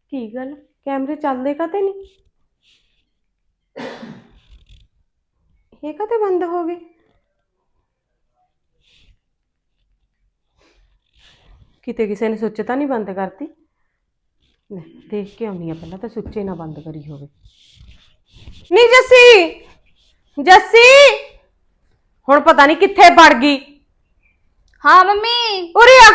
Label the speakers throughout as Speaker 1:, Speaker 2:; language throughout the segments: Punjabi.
Speaker 1: ਕੀ ਗੱਲ ਕੈਮਰੇ ਚੱਲਦੇ ਕਾਤੇ ਨਹੀਂ? ਇਹ ਕਾਤੇ ਬੰਦ ਹੋ ਗਏ? ਕਿਤੇ ਕਿਸੇ ਨੇ ਸੁੱਚ ਤਾਂ ਨਹੀਂ ਬੰਦ ਕਰਤੀ? ਲੈ ਦੇਖ ਕੇ ਆਉਣੀ ਆ ਪਹਿਲਾਂ ਤਾਂ ਸੁੱਚੇ ਨਾ ਬੰਦ ਕਰੀ ਹੋਵੇ। ਨਹੀਂ ਜੱਸੀ, ਜੱਸੀ ਹੁਣ ਪਤਾ ਨਹੀਂ ਕਿੱਥੇ ਵੜ ਗਈ।
Speaker 2: हाँ मम्मी।
Speaker 1: ਉਰੇ ਆ।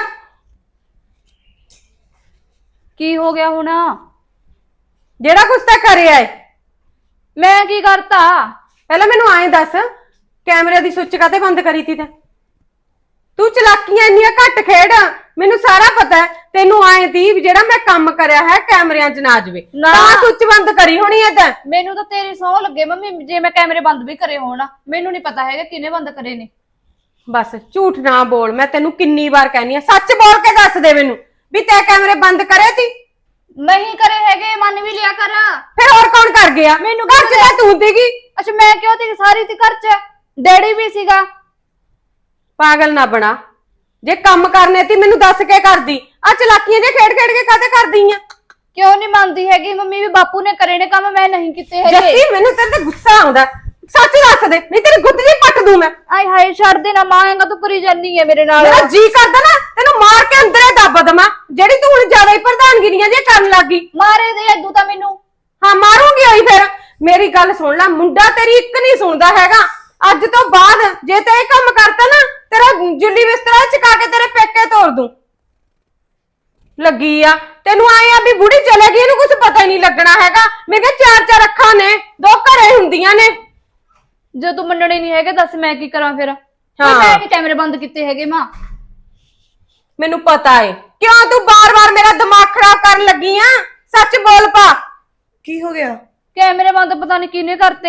Speaker 2: की हो गया हूं ना?
Speaker 1: ਜਿਹੜਾ ਕੁਛ ਤਾਂ ਕਰਿਆ ਏ
Speaker 2: मैं की करता?
Speaker 1: ਪਹਿਲਾਂ ਮੈਨੂੰ ਆਏ ਦੱਸ, ਕੈਮਰੇ ਦੀ ਸੁੱਚ ਕਾਤੇ ਬੰਦ ਕਰੀ ਤੀ ਤੂੰ ਚਲਾਕੀਆਂ ਇੰਨੀਆਂ ਘੱਟ ਖੇਡ। ਮੈਨੂੰ ਸਾਰਾ ਪਤਾ ਹੈ ਤੈਨੂੰ ਆਏ ਤੀ ਵੀ ਜਿਹੜਾ ਮੈਂ ਕੰਮ ਕਰਿਆ ਹੈ ਕੈਮਰਿਆਂ 'ਚ ਨਾ ਜਾਵੇ ਤਾਂ ਸੁੱਚ ਬੰਦ ਕਰੀ ਹੋਣੀ ਐ। ਤਾਂ
Speaker 2: ਮੈਨੂੰ ਤਾਂ ਤੇਰੀ ਸੌ ਲੱਗੇ ਮੰਮੀ, ਜੇ ਮੈਂ ਕੈਮਰੇ ਬੰਦ ਵੀ ਕਰੇ ਹੋਣ ਮੈਨੂੰ ਨਹੀਂ ਪਤਾ ਹੈਗਾ ਕਿਹਨੇ ਬੰਦ ਕਰੇ ਨੇ।
Speaker 1: ਬਸ ਝੂਠ ਨਾ ਬੋਲ, ਮੈਂ ਤੈਨੂੰ ਕਿੰਨੀ ਵਾਰ ਕਹਿਨੀ ਆ, ਸੱਚ ਬੋਲ ਕੇ ਦੱਸ ਦੇ ਮੈਨੂੰ ਵੀ ਤੈਂ ਕੈਮਰੇ ਬੰਦ ਕਰੇ ਤੀ।
Speaker 2: नहीं करे हैगे, मन भी लिया कर।
Speaker 1: ਫਿਰ ਹੋਰ ਕੌਣ ਕਰ ਗਿਆ?
Speaker 2: ਮੈਨੂੰ
Speaker 1: ਘਰ 'ਚ ਤਾਂ ਤੂੰ ਸੀਗੀ।
Speaker 2: अच्छा मैं क्यों थी? सारी थी घर च, डैडी भी सीगा।
Speaker 1: ਪਾਗਲ ਨਾ ਬਣਾ, ਜੇ ਕੰਮ ਕਰਨੇ ਤੀ ਮੈਨੂੰ ਦੱਸ ਕੇ ਕਰਦੀ। ਆ ਚਲਾਕੀਆਂ ਜੇ ਖੇਡ ਖੇਡ ਕੇ ਕਾਤੇ ਕਰਦੀ ਆ?
Speaker 2: क्यों नहीं मानती हैगी मम्मी? भी बापू ने करे ने काम, मैं नहीं किते हैगे।
Speaker 1: ਜੱਸੀ ਮੈਨੂੰ ਤੇਰੇ ਤੇ ਗੁੱਸਾ ਆਉਂਦਾ, ਸੱਚ ਦੱਸ ਦੇ ਨਹੀਂ ਤੇਰੀ ਗੁੱਤ ਜੀ ਪੱਟ ਦੂੰ ਮੈਂ।
Speaker 2: आय हाय छड़ देना, मांगेगा तो करी जानी है मेरे नाल।
Speaker 1: ਮੇਰਾ ਜੀ ਕਰਦਾ ਨਾ ਤੈਨੂੰ ਮਾਰ ਕੇ ਅੰਦਰੇ ਦੱਬ ਦਵਾਂ, ਜਿਹੜੀ ਤੂੰ ਹੁਣ ਜ਼ਿਆਦਾ ਹੀ ਪ੍ਰਧਾਨਗੀਰੀਆਂ ਜੇ ਕਰਨ ਲੱਗੀ।
Speaker 2: मारे दे अदू ता मैनू।
Speaker 1: ਹਾਂ ਮਾਰੂੰਗੀ ਹੋਈ। ਫਿਰ ਮੇਰੀ ਗੱਲ ਸੁਣ ਲੈ, ਮੁੰਡਾ ਤੇਰੀ ਇੱਕ ਨਹੀਂ ਸੁਣਦਾ ਹੈਗਾ। ਅੱਜ ਤੋਂ ਬਾਅਦ ਜੇ ਤੇ ਇਹ ਕੰਮ ਕਰਤਾ ਨਾ, ਤੇਰਾ ਜੁੱਲੀ ਬਿਸਤਰਾ ਚਕਾ ਕੇ ਤੇਰੇ ਪੇਕੇ ਤੋੜ ਦੂੰ। ਲੱਗੀ ਆ ਤੈਨੂੰ ਆਏ ਆ ਵੀ ਬੁੜੀ ਚਲੇ ਗਈ, ਇਹਨੂੰ ਕੁਝ ਪਤਾ ਹੀ ਨਹੀਂ ਲੱਗਣਾ ਹੈਗਾ। ਮੈਂ ਕਿਹਾ ਚਾਰ ਚਾਰ ਅੱਖਾਂ ਨੇ, ਦੋ ਘਰੇ ਹੁੰਦੀਆਂ ਨੇ।
Speaker 2: जो तू मनने नहीं है दस मैं की करा फिर?
Speaker 1: हाँ।
Speaker 2: मैं नहीं कैमरे बंद किते हैगे मां।
Speaker 1: ਮੈਨੂੰ ਪਤਾ ਏ ਕਿਉਂ ਤੂੰ ਬਾਰ-ਬਾਰ ਮੇਰਾ ਦਿਮਾਗ ਖਰਾਬ ਕਰਨ ਲੱਗੀ ਆ। ਸੱਚ ਬੋਲ ਪਾ।
Speaker 3: ਕੀ ਹੋ ਗਿਆ?
Speaker 2: कैमरे बंद पता नहीं किने करते।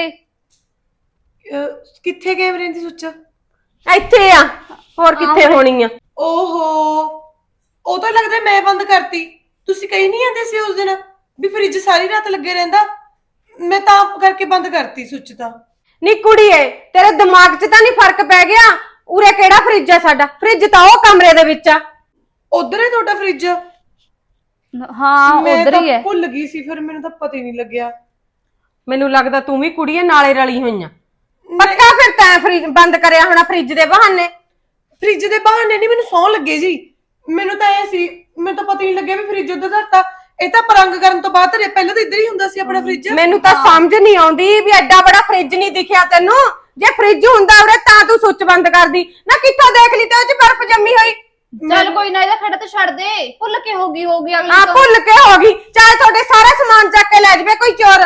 Speaker 3: ਕਿੱਥੇ ਕੈਮਰੇ ਦੀ ਸੁੱਚ?
Speaker 1: ਇੱਥੇ ਆ, ਹੋਰ ਕਿੱਥੇ ਹੋਣੀ ਆ?
Speaker 3: ਓਹੋ, ਉਹ ਤਾਂ ਲੱਗਦਾ ਮੈਂ ਬੰਦ ਕਰਤੀ। ਤੁਸੀਂ ਕਹੀ ਨਹੀਂ ਆਂਦੇ ਸੀ ਉਸ ਦਿਨ ਵੀ ਫ੍ਰਿਜ ਸਾਰੀ ਰਾਤ ਲੱਗੇ ਰਹਿੰਦਾ, ਮੈਂ ਤਾਂ ਕਰਕੇ ਬੰਦ ਕਰਤੀ ਸੁੱਚ ਤਾਂ।
Speaker 1: ਨੀ ਕੁੜੀਏ, ਤੇਰੇ ਦਿਮਾਗ 'ਚ ਤਾਂ ਨਹੀਂ ਫਰਕ ਪੈ ਗਿਆ? ਉਰੇ ਕਿਹੜਾ ਫ੍ਰਿਜ ਆ ਸਾਡਾ? ਫ੍ਰਿਜ ਤਾਂ ਉਹ ਕਮਰੇ ਦੇ ਵਿੱਚ ਆ।
Speaker 3: ਉਧਰ ਹੈ ਤੁਹਾਡਾ ਫ੍ਰਿਜ?
Speaker 2: हाँ
Speaker 3: ਮੈਂ
Speaker 2: उधर
Speaker 3: ਤਾਂ
Speaker 2: ही है।
Speaker 3: ਭੁੱਲ ਗਈ ਸੀ, ਫਿਰ ਮੈਨੂੰ ਤਾਂ ਪਤਾ ਹੀ ਨਹੀਂ ਲੱਗਿਆ।
Speaker 1: ਮੈਨੂੰ ਲੱਗਦਾ ਤੂੰ ਵੀ ਕੁੜੀਏ ਨਾਲੇ ਰਲੀ ਹੋਈਆਂ। ਪੱਕਾ ਫਿਰ ਤੈਂ ਫ੍ਰਿਜ ਬੰਦ ਕਰਿਆ ਹੋਣਾ ਫ੍ਰਿਜ ਦੇ ਬਹਾਨੇ।
Speaker 3: ਫ੍ਰਿਜ ਦੇ ਬਹਾਨੇ ਨਹੀਂ, ਮੈਨੂੰ ਸੌਂ ਲੱਗੇ ਜੀ। ਮੈਨੂੰ ਤਾਂ ਐ ਸੀ, ਮੈਨੂੰ ਤਾਂ ਪਤਾ ਹੀ ਨਹੀਂ ਲੱਗਿਆ ਵੀ ਫ੍ਰਿਜ ਉਧਰ ਧਰਤਾ। ਇਹ ਤਾਂ ਪਰੰਗ ਕਰਨ ਤੋਂ ਬਾਅਦ ਧਰਿਆ, ਪਹਿਲਾਂ ਤਾਂ ਇੱਧਰ ਹੀ ਹੁੰਦਾ ਸੀ ਆਪਣਾ ਫ੍ਰਿਜ।
Speaker 1: ਮੈਨੂੰ ਤਾਂ ਸਮਝ ਨਹੀਂ ਆਉਂਦੀ ਵੀ ਐਡਾ ਬੜਾ ਫ੍ਰਿਜ ਨਹੀਂ ਦਿਖਿਆ ਤੈਨੂੰ। ਜੇ ਫ੍ਰਿਜ ਹੁੰਦਾ ਉਰੇ ਤਾਂ ਤੂੰ ਸੁੱਚ ਬੰਦ ਕਰਦੀ ਨਾ। ਕਿੱਥੋਂ ਦੇਖ ਲਈ ਤੇ ਉਹ 'ਚ ਬਰਫ਼ ਜੰਮੀ ਹੋਈ।
Speaker 2: चल कोई ना, इधर खड़ा तो छड़ दे। भुल के होगी होगी अगली
Speaker 1: ਆ
Speaker 2: तो।
Speaker 1: ਭੁੱਲ ਕੇ ਹੋ ਗਈ, ਚਾਹੇ ਤੁਹਾਡੇ ਸਾਰਾ ਸਮਾਨ ਚੱਕ ਕੇ ਲੈ ਜਾਵੇ ਕੋਈ ਚੋਰ।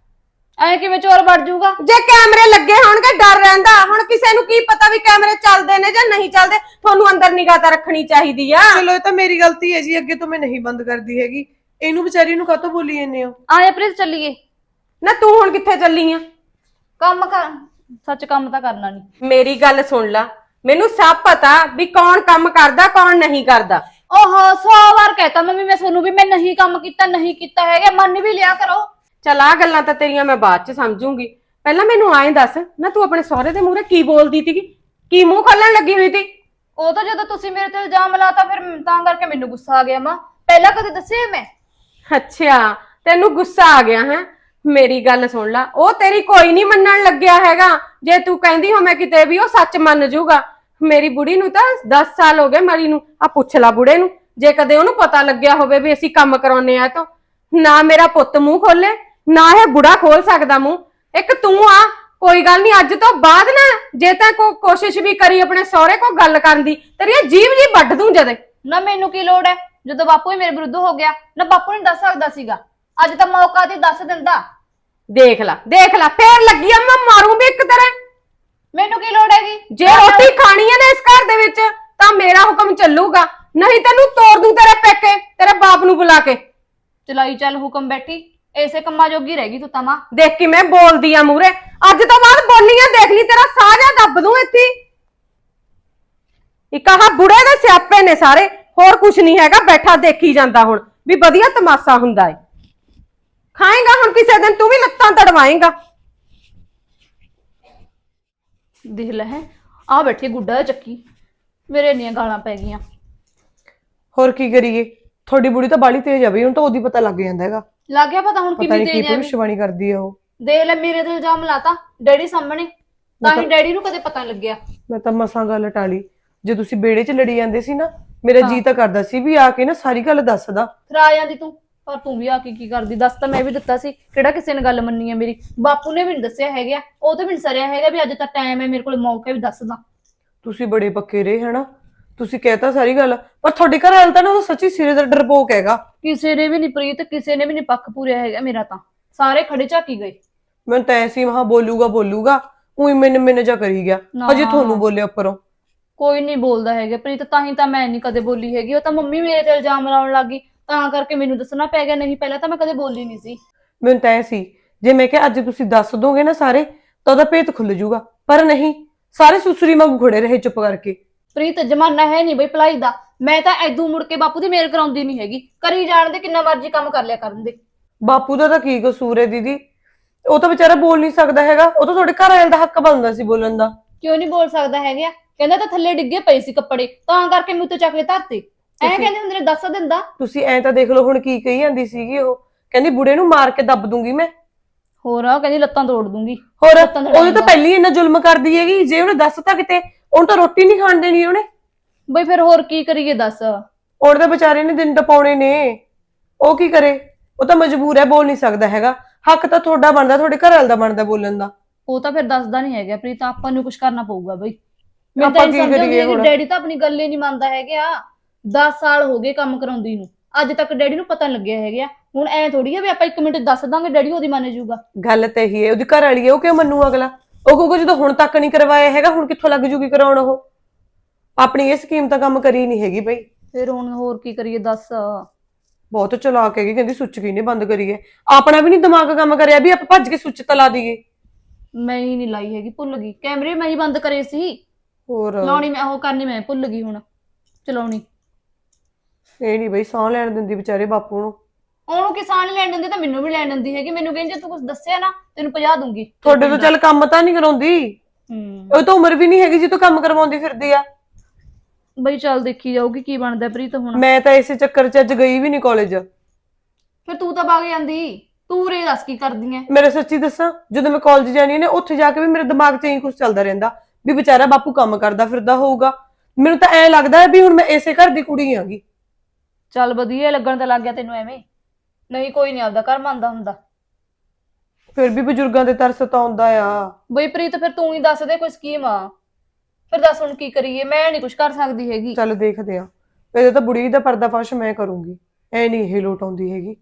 Speaker 2: ऐ किवें चोर बढ़ जाऊगा?
Speaker 1: ਜੇ ਕੈਮਰੇ ਲੱਗੇ ਹੋਣਗੇ ਡਰ ਰਹਿੰਦਾ। ਹੁਣ ਕਿਸੇ ਨੂੰ ਕੀ ਪਤਾ ਵੀ ਕੈਮਰੇ ਚੱਲਦੇ ਨੇ ਜਾਂ ਨਹੀਂ ਚੱਲਦੇ। ਤੁਹਾਨੂੰ ਅੰਦਰ ਨਿਗਾਹ ਤਾਂ ਰੱਖਣੀ ਚਾਹੀਦੀ ਆ।
Speaker 3: ਚਲੋ ਇਹ ਤਾਂ ਮੇਰੀ ਗਲਤੀ ਹੈ ਜੀ, ਅੱਗੇ ਤੋਂ ਮੈਂ ਨਹੀਂ ਬੰਦ ਕਰਦੀ ਹੈਗੀ। ਇਹਨੂੰ ਵਿਚਾਰੀ ਨੂੰ ਕਾਹਤੋਂ ਬੋਲੀ ਜਾਂਦੇ ਹੋ?
Speaker 2: आया प्लीज चलिए।
Speaker 1: ਨਾ ਤੂੰ ਹੁਣ ਕਿੱਥੇ ਚੱਲੀ ਆ?
Speaker 2: काम कर, सच काम तो करना नहीं।
Speaker 1: ਮੇਰੀ ਗੱਲ ਸੁਣ ਲਾ, ਮੈਨੂੰ ਸਭ ਪਤਾ ਵੀ ਕੌਣ ਕੰਮ ਕਰਦਾ ਕੌਣ ਨਹੀਂ ਕਰਦਾ।
Speaker 2: ओहो 100 बार कहता मम्मी मैं सोनू भी, मैं नहीं काम किता नहीं किता है, मन भी लिया करो।
Speaker 1: ਚਲ ਆ ਗੱਲਾਂ ਤਾਂ ਤੇਰੀਆਂ ਮੈਂ ਬਾਅਦ ਚ ਸਮਝੂੰਗੀ। ਪਹਿਲਾਂ ਮੈਨੂੰ ਆਏ ਦੱਸ ਨਾ, ਤੂੰ ਆਪਣੇ ਸਹੁਰੇ ਦੇ ਮੂਹਰੇ ਕੀ ਬੋਲਦੀ ਸੀਗੀ? ਕੀ ਮੂੰਹ ਖੋਲਣ ਲੱਗੀ ਹੋਈ ਸੀ?
Speaker 2: ਉਹ ਤਾਂ ਜਦੋਂ ਤੁਸੀਂ ਮੇਰੇ ਤੇ ਇਲਜ਼ਾਮ ਲਾਤਾ ਫਿਰ ਤਾਂ ਕਰਕੇ ਮੈਨੂੰ ਗੁੱਸਾ ਆ ਗਿਆ ਮਾਂ। ਪਹਿਲਾਂ ਕਦੇ ਦੱਸਿਆ ਮੈਂ?
Speaker 1: ਅੱਛਾ ਤੈਨੂੰ ਗੁੱਸਾ ਆ ਗਿਆ ਹੈ? ਮੇਰੀ ਗੱਲ ਸੁਣ ਲਾ, ਉਹ ਤੇਰੀ ਕੋਈ ਨਹੀਂ ਮੰਨਣ ਲੱਗਿਆ ਹੈਗਾ। ਜੇ ਤੂੰ ਕਹਿੰਦੀ ਹੋ ਮੈਂ ਕਿਤੇ ਵੀ, ਉਹ ਸੱਚ ਮੰਨ ਜਾਊਗਾ। ਮੇਰੀ ਬੁੜੀ ਨੂੰ ਤਾਂ 10 ਸਾਲ ਹੋ ਗਏ ਮਰੀ ਨੂੰ। ਆ ਪੁੱਛ ਲਾ ਬੁੜੇ ਨੂੰ, ਜੇ ਕਦੇ ਉਹਨੂੰ ਪਤਾ ਲੱਗਿਆ ਹੋਵੇ ਵੀ ਅਸੀਂ ਕੰਮ ਕਰਾਉਨੇ ਆ ਤਾਂ ਨਾ ਮੇਰਾ ਪੁੱਤ ਮੂੰਹ ਖੋਲੇ ਨਾ ਇਹ ਬੁੜਾ ਖੋਲ ਸਕਦਾ ਮੂੰਹ। ਇੱਕ ਤੂੰ ਆ, ਕੋਈ ਗੱਲ ਨਹੀਂ ਅੱਜ ਤੋਂ ਬਾਅਦ ਨਾ ਜੇ ਤਾਂ ਕੋਸ਼ਿਸ਼ ਵੀ ਕਰੀ ਆਪਣੇ ਸਹੁਰੇ ਕੋ ਗੱਲ ਕਰਨ ਦੀ, ਤੇਰੀ ਜੀਭ ਜੀ ਵੱਢ ਦੂੰ ਜਦੇ।
Speaker 2: ਨਾ ਮੈਨੂੰ ਕੀ ਲੋੜ ਹੈ, ਜਦੋਂ ਬਾਪੂ ਹੀ ਮੇਰੇ ਵਿਰੁੱਧ ਹੋ ਗਿਆ ਨਾ, ਬਾਪੂ ਨੇ ਦੱਸ ਸਕਦਾ ਸੀਗਾ। ਅੱਜ ਤਾਂ ਮੌਕਾ ਤੇ ਦੱਸ ਦਿੰਦਾ।
Speaker 1: ਦੇਖ ਲੈ ਫੇਰ ਲੱਗੀ ਆ ਮੈਂ ਮਾਰੂ ਵੀ ਇੱਕ ਤਰ੍ਹਾਂ।
Speaker 2: ਮੈਨੂੰ ਕੀ ਲੋੜ ਹੈਗੀ?
Speaker 1: ਜੇ ਰੋਟੀ ਖਾਣੀ ਹੈ ਨਾ ਇਸ ਘਰ ਦੇ ਵਿੱਚ ਤਾਂ ਮੇਰਾ ਹੁਕਮ ਚੱਲੂਗਾ, ਨਹੀਂ ਤੈਨੂੰ ਤੋੜ ਦੂੰ ਤੇਰੇ ਪੇਕੇ, ਤੇਰੇ ਬਾਪ ਨੂੰ ਬੁਲਾ ਕੇ।
Speaker 2: ਚਲਾਈ ਚੱਲ ਹੁਕਮ ਬੈਠੀ, ਐਸੇ ਕੰਮਾਂ ਜੋਗੀ ਰਹਿ ਗਈ ਤੂੰ ਤਾਂ ਮਾਂ।
Speaker 1: ਦੇਖ ਕਿ ਮੈਂ ਬੋਲਦੀ ਆ ਮੂਰੇ, ਅੱਜ ਤੋਂ ਬਾਅਦ ਬੋਲੀਆਂ ਦੇਖ ਲਈ ਤੇਰਾ ਸਾਹ ਜਾ ਦੱਬ ਦੂੰ ਇੱਥੇ। ਇੱਕ ਆਹ ਬੁੜੇ ਦੇ ਸਿਆਪੇ ਨੇ ਸਾਰੇ, ਹੋਰ ਕੁਛ ਨਹੀਂ ਹੈਗਾ। ਬੈਠਾ ਦੇਖੀ ਜਾਂਦਾ ਹੁਣ ਵੀ ਵਧੀਆ ਤਮਾਸ਼ਾ ਹੁੰਦਾ ਏ। ਖਾਏਗਾ ਹੁਣ ਕਿਸੇ ਦਿਨ ਤੂੰ ਵੀ ਲੱਤਾਂ ਤੜਵਾਏਗਾ।
Speaker 2: ਦੇਖ ਲੈ ਹੈ ਆ ਬੈਠੀ ਗੁੱਡਾ ਚੱਕੀ, ਮੇਰੇ ਇੰਨੀਆਂ ਗਾਲਾਂ ਪੈ ਗਈਆਂ।
Speaker 3: ਹੋਰ ਕੀ ਕਰੀਏ? ਤੁਹਾਡੀ ਬੁੜੀ ਤਾਂ ਬਾਲੀ ਤੇਜ਼ ਆ ਬਈ, ਹੁਣ ਤਾਂ ਉਹਦੀ ਪਤਾ ਲੱਗ ਜਾਂਦਾ ਹੈਗਾ।
Speaker 2: ਲੱਗ ਗਿਆ ਪਤਾ ਹੁਣ
Speaker 3: ਪਤਾ
Speaker 2: ਕਿੰਨੀ
Speaker 3: ਨਹੀਂ ਕੀ
Speaker 2: ਤੇਜ਼ ਹੈ।
Speaker 3: ਭਵਿੱਖਬਾਣੀ ਕਰਦੀ ਆ ਉਹ।
Speaker 2: ਦੇਖ ਲੈ ਮੇਰੇ ਤੇ ਇਲਜ਼ਾਮ ਲਾਤਾ ਡੈਡੀ ਸਾਹਮਣੇ, ਤਾਂ ਹੀ ਡੈਡੀ ਨੂੰ ਕਦੇ ਪਤਾ ਨੀ ਲੱਗਿਆ।
Speaker 3: ਮੈਂ ਤਾਂ ਮਸਾਂ ਗੱਲ ਟਾਲੀ। ਜੇ ਤੁਸੀਂ ਬੇੜੇ 'ਚ ਲੜੀ ਜਾਂਦੇ ਸੀ ਨਾ, ਮੇਰਾ ਜੀ ਤਾਂ ਕਰਦਾ ਸੀ ਵੀ ਆ ਕੇ ਨਾ ਸਾਰੀ ਗੱਲ ਦੱਸਦਾ।
Speaker 2: ਫਿਰ ਆ ਜਾਂਦੀ ਤੂੰ, ਪਰ ਤੂੰ ਵੀ ਆ ਕੇ ਕੀ ਕਰਦੀ? ਦੱਸ ਤਾਂ ਮੈਂ ਵੀ ਦਿੱਤਾ ਸੀ, ਕਿਹੜਾ ਕਿਸੇ ਨੇ ਗੱਲ ਮੰਨੀ ਹੈ ਮੇਰੀ? ਬਾਪੂ ਨੇ ਵੀ ਨੀ ਦੱਸਿਆ ਹੈਗਾ, ਉਹ ਤਾਂ ਵੀ ਨੀ ਸਰਿਆ ਹੈਗਾ ਵੀ ਅੱਜ ਤਾਂ ਟਾਈਮ ਹੈ ਮੇਰੇ ਕੋਲ ਮੌਕਾ ਵੀ ਦੱਸਦਾ।
Speaker 3: ਤੁਸੀਂ ਬੜੇ ਪੱਕੇ ਰਹੇ ਹਨਾ, ਤੁਸੀਂ ਕਹਿਤਾ ਸਾਰੀ ਗੱਲ, ਪਰ ਤੁਹਾਡੇ ਘਰ ਵਾਲਾ ਤਾਂ ਨਾ ਉਹ ਸੱਚੀ ਸਿਰੇ ਦਾ ਡਰਪੋਕ ਹੈਗਾ।
Speaker 2: ਕਿਸੇ ਨੇ ਵੀ ਨੀ ਪ੍ਰੀਤ, ਕਿਸੇ ਨੇ ਵੀ ਨੀ ਪੱਖ ਪੂਰਿਆ ਹੈਗਾ ਮੇਰਾ, ਤਾਂ ਸਾਰੇ ਖੜੇ ਝਾਕੀ ਗਏ।
Speaker 3: ਮੈਨੂੰ ਤਾਂ ਐਸੀ ਮਹਾ ਬੋਲੂਗਾ ਉਹੀ ਮੈਨੂੰ ਜਾ ਕਰੀ ਗਿਆ।
Speaker 2: ਨਾ,
Speaker 3: ਅਜੇ ਤੁਹਾਨੂੰ ਬੋਲਿਆ ਉੱਪਰੋਂ।
Speaker 2: ਕੋਈ ਨਹੀਂ ਬੋਲਦਾ ਹੈਗਾ ਪ੍ਰੀਤ, ਤਾਂ ਹੀ ਤਾਂ ਮੈਂ ਨਹੀਂ ਕਦੇ ਬੋਲੀ ਹੈਗੀ। ਉਹ ਤਾਂ ਮੰਮੀ ਮੇਰੇ ਤੇ ਇਲਜ਼ਾਮ ਲਾਉਣ ਲੱਗ ਗਈ, ਤਾਂ ਕਰਕੇ ਮੈਨੂੰ ਦੱਸਣਾ ਪੈ ਗਿਆ, ਨਹੀਂ ਪਹਿਲਾਂ ਤਾਂ ਮੈਂ ਕਦੇ ਬੋਲੀ ਨਹੀਂ ਸੀ।
Speaker 3: ਮੈਨੂੰ ਤਾਂ ਐ ਸੀ ਜੇ ਮੈਂ ਕਿਹਾ ਅੱਜ ਤੁਸੀਂ ਦੱਸ ਦੋਗੇ ਨਾ ਸਾਰੇ, ਤਾਂ ਉਹਦਾ ਭੇਤ ਖੁੱਲ ਜਾਊਗਾ, ਪਰ ਨਹੀਂ, ਸਾਰੇ ਸੁਸਰੀ ਵਾਂਗੂ ਖੜੇ ਰਹੇ ਚੁੱਪ ਕਰਕੇ।
Speaker 2: ਪ੍ਰੀਤ ਜਮਾਨਾ ਹੈ ਨਹੀਂ ਬਈ ਭਲਾਈ ਦਾ, ਮੈਂ ਤਾਂ ਐਦੂ ਮੁੜ ਕੇ ਬਾਪੂ ਦੀ ਮੇਲ ਕਰਾਉਂਦੀ ਨਹੀਂ ਹੈਗੀ। ਕਰੀ ਜਾਣ ਦੇ, ਕਿੰਨਾ ਮਰਜ਼ੀ ਕੰਮ ਕਰ ਲਿਆ ਕਰਨ ਦੇ।
Speaker 3: ਬਾਪੂ ਦਾ ਤਾਂ ਕੀ ਕਸੂਰ ਹੈ ਦੀਦੀ, ਉਹ ਤਾਂ ਵਿਚਾਰਾ ਬੋਲ ਨਹੀਂ ਸਕਦਾ ਹੈਗਾ, ਉਹ ਤਾਂ ਤੁਹਾਡੇ ਘਰ ਵਾਲੇ ਦਾ ਹੱਕ ਬਣਦਾ ਸੀ ਬੋਲਣ ਦਾ।
Speaker 2: ਕਿਉਂ ਨਹੀਂ ਬੋਲ ਸਕਦਾ ਹੈਗਾ? ਕਹਿੰਦਾ ਤਾਂ ਥੱਲੇ ਡਿੱਗੇ ਪਏ ਸੀ ਕੱਪੜੇ, ਤਾਂ ਕਰਕੇ ਮੈਂ ਉੱਤੇ ਚੱਕ ਕੇ ਧਰਤੇ। ਐਂ ਕਹਿੰਦੇ ਹੁੰਦੇ ਨੇ ਦੱਸ ਦਿੰਦਾ।
Speaker 3: ਤੁਸੀਂ ਐਂ ਤਾਂ ਦੇਖ ਲਓ ਹੁਣ ਕੀ ਕਹੀ ਜਾਂਦੀ ਸੀਗੀ, ਉਹ ਕਹਿੰਦੀ ਬੁੜੇ ਨੂੰ ਮਾਰ ਕੇ ਦੱਬ ਦੂੰਗੀ ਮੈਂ।
Speaker 2: ਹੋਰ ਆ ਕਹਿੰਦੀ ਲੱਤਾਂ ਤੋੜ ਦੂੰਗੀ।
Speaker 3: ਹੋਰ ਉਹਦੇ ਤਾਂ ਪਹਿਲੀ ਇੰਨਾ ਜ਼ੁਲਮ ਕਰਦੀ ਹੈਗੀ, ਜੇ ਉਹਨੇ ਦੱਸਤਾ ਕਿਤੇ ਉਹਨੂੰ ਤਾਂ ਰੋਟੀ ਨਹੀਂ ਖਾਣ ਦੇਣੀ ਉਹਨੇ।
Speaker 2: ਬਈ ਫਿਰ ਹੋਰ ਕੀ ਕਰੀਏ ਦੱਸ?
Speaker 3: ਉਹਦੇ ਤਾਂ ਵਿਚਾਰੇ ਨੇ ਦਿਨ ਟਪਾਉਣੇ ਨੇ, ਉਹ ਕੀ ਕਰੇ? ਉਹ ਤਾਂ ਮਜਬੂਰ ਹੈ, ਬੋਲ ਨਹੀਂ ਸਕਦਾ ਹੈਗਾ। ਹੱਕ ਤਾਂ ਤੁਹਾਡਾ ਬਣਦਾ, ਤੁਹਾਡੇ ਘਰ ਵਾਲੇ ਦਾ ਬਣਦਾ ਬੋਲਣ ਦਾ।
Speaker 2: ਉਹ ਤਾਂ ਫਿਰ ਦੱਸਦਾ ਨਹੀਂ ਹੈਗਾ ਪ੍ਰੀਤ, ਆਪਾਂ ਨੂੰ ਕੁਝ ਕਰਨਾ ਪਊਗਾ ਬਈ। ਮੈਂ ਤਾਂ
Speaker 3: ਆਪਾਂ
Speaker 2: ਇਹ
Speaker 3: ਕੀ
Speaker 2: ਸਮਝਦੀ
Speaker 3: ਕਰੀਏ
Speaker 2: ਹਾਂ ਕਿ
Speaker 3: ਹੁਣ?
Speaker 2: ਡੈਡੀ ਤਾਂ ਆਪਣੀ ਗੱਲ ਹੀ ਨਹੀਂ ਮੰਨਦਾ ਹੈਗਾ। 10 ਸਾਲ ਹੋ ਗਏ ਕੰਮ ਕਰਾਉਂਦੀ ਨੂੰ, ਅੱਜ ਤੱਕ ਡੈਡੀ ਨੂੰ ਪਤਾ ਨਹੀਂ ਲੱਗਿਆ ਹੈਗਾ। ਹੁਣ ਐ ਥੋੜੀ ਆ ਵੀ ਆਪਾਂ 1 ਮਿੰਟ ਦੱਸ ਦਾਂਗੇ ਡੈਡੀ ਉਹਦੀ ਮੰਨ ਜਾਊਗਾ।
Speaker 3: ਗੱਲ ਤਾਂ ਇਹੀ ਹੈ, ਉਹਦੀ ਘਰ ਵਾਲੀ ਹੈ, ਉਹ ਕਿਉਂ ਮੰਨੂ ਅਗਲਾ? ਉਹ ਕਹੂਗਾ ਜਦੋਂ ਹੁਣ ਤੱਕ ਨਹੀਂ ਕਰਵਾਇਆ ਹੈਗਾ, ਹੁਣ ਕਿੱਥੋਂ ਲੱਗ ਜੂਗੀ ਕਰਾਉਣ? ਉਹ ਆਪਣੀ ਇਹ ਸਕੀਮ ਤਾਂ ਕੰਮ ਕਰੀ ਨਹੀਂ ਹੈਗੀ ਬਈ।
Speaker 2: ਫਿਰ ਹੁਣ ਹੋਰ ਕੀ ਕਰੀਏ ਦੱਸ?
Speaker 3: ਬਹੁਤ ਚਲਾਕ ਹੈਗੀ, ਕਹਿੰਦੀ ਸੁੱਚ ਕਿਹਨੇ ਬੰਦ ਕਰੀ ਹੈ। ਆਪਣਾ ਵੀ ਨਹੀਂ ਦਿਮਾਗ ਕੰਮ ਕਰਿਆ ਵੀ ਆਪਾਂ ਭੱਜ ਕੇ ਸੁੱਚ ਤਲਾ ਦਈਏ।
Speaker 2: ਮੈਂ ਹੀ ਨਹੀਂ ਲਾਈ ਹੈਗੀ, ਭੁੱਲ ਗਈ। ਕੈਮਰੇ ਮੈਂ ਹੀ ਬੰਦ ਕਰੇ ਸੀ,
Speaker 3: ਹੋਰ
Speaker 2: ਲਾਉਣੀ ਮੈਂ ਉਹ ਕਰਨੀ ਮੈਂ ਭੁੱਲ ਗਈ ਹੁਣ ਚਲਾਉਣੀ।
Speaker 3: ਇਹ ਨਹੀਂ ਬਈ ਸਾਹ ਲੈਣ ਦਿੰਦੀ ਵਿਚਾਰੇ ਬਾਪੂ ਨੂੰ।
Speaker 2: ਉਹਨੂੰ ਕਿਸਾਨ ਲੈਣ ਦਿੰਦੀ ਤਾਂ ਮੈਨੂੰ ਵੀ ਲੈਣ ਦਿੰਦੀ ਹੈਗੀ। ਮੈਨੂੰ ਕਹਿੰਦੀ ਜੇ ਤੂੰ ਕੁਝ ਦੱਸਿਆ ਨਾ ਤੈਨੂੰ 50 ਦੂੰਗੀ।
Speaker 3: ਤੁਹਾਡੇ ਤੋਂ ਚੱਲ ਕੰਮ ਤਾਂ ਨਹੀਂ ਕਰਾਉਂਦੀ, ਉਹ ਤਾਂ ਉਮਰ ਵੀ ਨਹੀਂ ਹੈਗੀ ਜੀ ਤੋਂ ਕੰਮ ਕਰਵਾਉਂਦੀ ਫਿਰਦੀ ਆ।
Speaker 2: ਬਈ ਚੱਲ ਦੇਖੀ ਜਾਊਗੀ ਕੀ ਬਣਦਾ ਪ੍ਰੀਤ ਹੁਣ।
Speaker 3: ਮੈਂ ਤਾਂ ਇਸੇ ਚੱਕਰ 'ਚ ਅੱਜ ਗਈ ਵੀ ਨਹੀਂ ਕਾਲਜ।
Speaker 2: ਫਿਰ ਤੂੰ ਤਾਂ ਵਗ ਜਾਂਦੀ, ਤੂੰ ਰੇ ਦੱਸ ਕੀ ਕਰਦੀ ਐ?
Speaker 3: ਮੇਰੇ ਸੱਚੀ ਦੱਸਾਂ, ਜਦੋਂ ਮੈਂ ਕਾਲਜ ਜਾਣੀ ਨੇ ਉੱਥੇ ਜਾ ਕੇ ਵੀ ਮੇਰੇ ਦਿਮਾਗ 'ਚ ਇਹੀ ਕੁਝ ਚੱਲਦਾ ਰਹਿੰਦਾ ਵੀ ਵਿਚਾਰਾ ਬਾਪੂ ਕੰਮ ਕਰਦਾ ਫਿਰਦਾ ਹੋਊਗਾ। ਮੈਨੂੰ ਤਾਂ ਐਂ ਲੱਗਦਾ ਵੀ ਹੁਣ ਮੈਂ ਇਸੇ ਘਰ ਦੀ ਕੁੜੀ ਆਂਗੀ।
Speaker 2: ਚੱਲ ਵਧੀਆ ਲੱਗਣ ਤਾਂ ਲੱਗ ਗਿਆ ਤੈਨੂੰ ਐਵੇਂ। ਨਹੀਂ ਕੋਈ ਨਹੀਂ ਆਪਦਾ ਘਰ ਮੰਨਦਾ ਹੁੰਦਾ।
Speaker 3: ਫਿਰ ਵੀ ਬਜ਼ੁਰਗਾਂ ਦੇ ਤਰਸ ਤਾਂ ਆਉਂਦਾ ਆ।
Speaker 2: ਬਈ ਪ੍ਰੀਤ ਫਿਰ ਤੂੰ ਹੀ ਦੱਸ ਦੇ ਕੋਈ ਸਕੀਮ ਆ। ਫਿਰ ਦੱਸ ਹੁਣ ਕੀ ਕਰੀਏ? ਮੈਂ ਨਹੀਂ ਕੁਝ ਕਰ ਸਕਦੀ ਹੈਗੀ।
Speaker 3: ਚੱਲ ਦੇਖਦੇ ਆ, ਇਹਦੇ ਤਾਂ ਬੁੜੀ ਦਾ ਪਰਦਾਫਾਸ਼ ਮੈਂ ਕਰੂੰਗੀ, ਐ ਨਹੀਂ ਇਹ ਲੋਟ ਆਉਂਦੀ ਹੈਗੀ।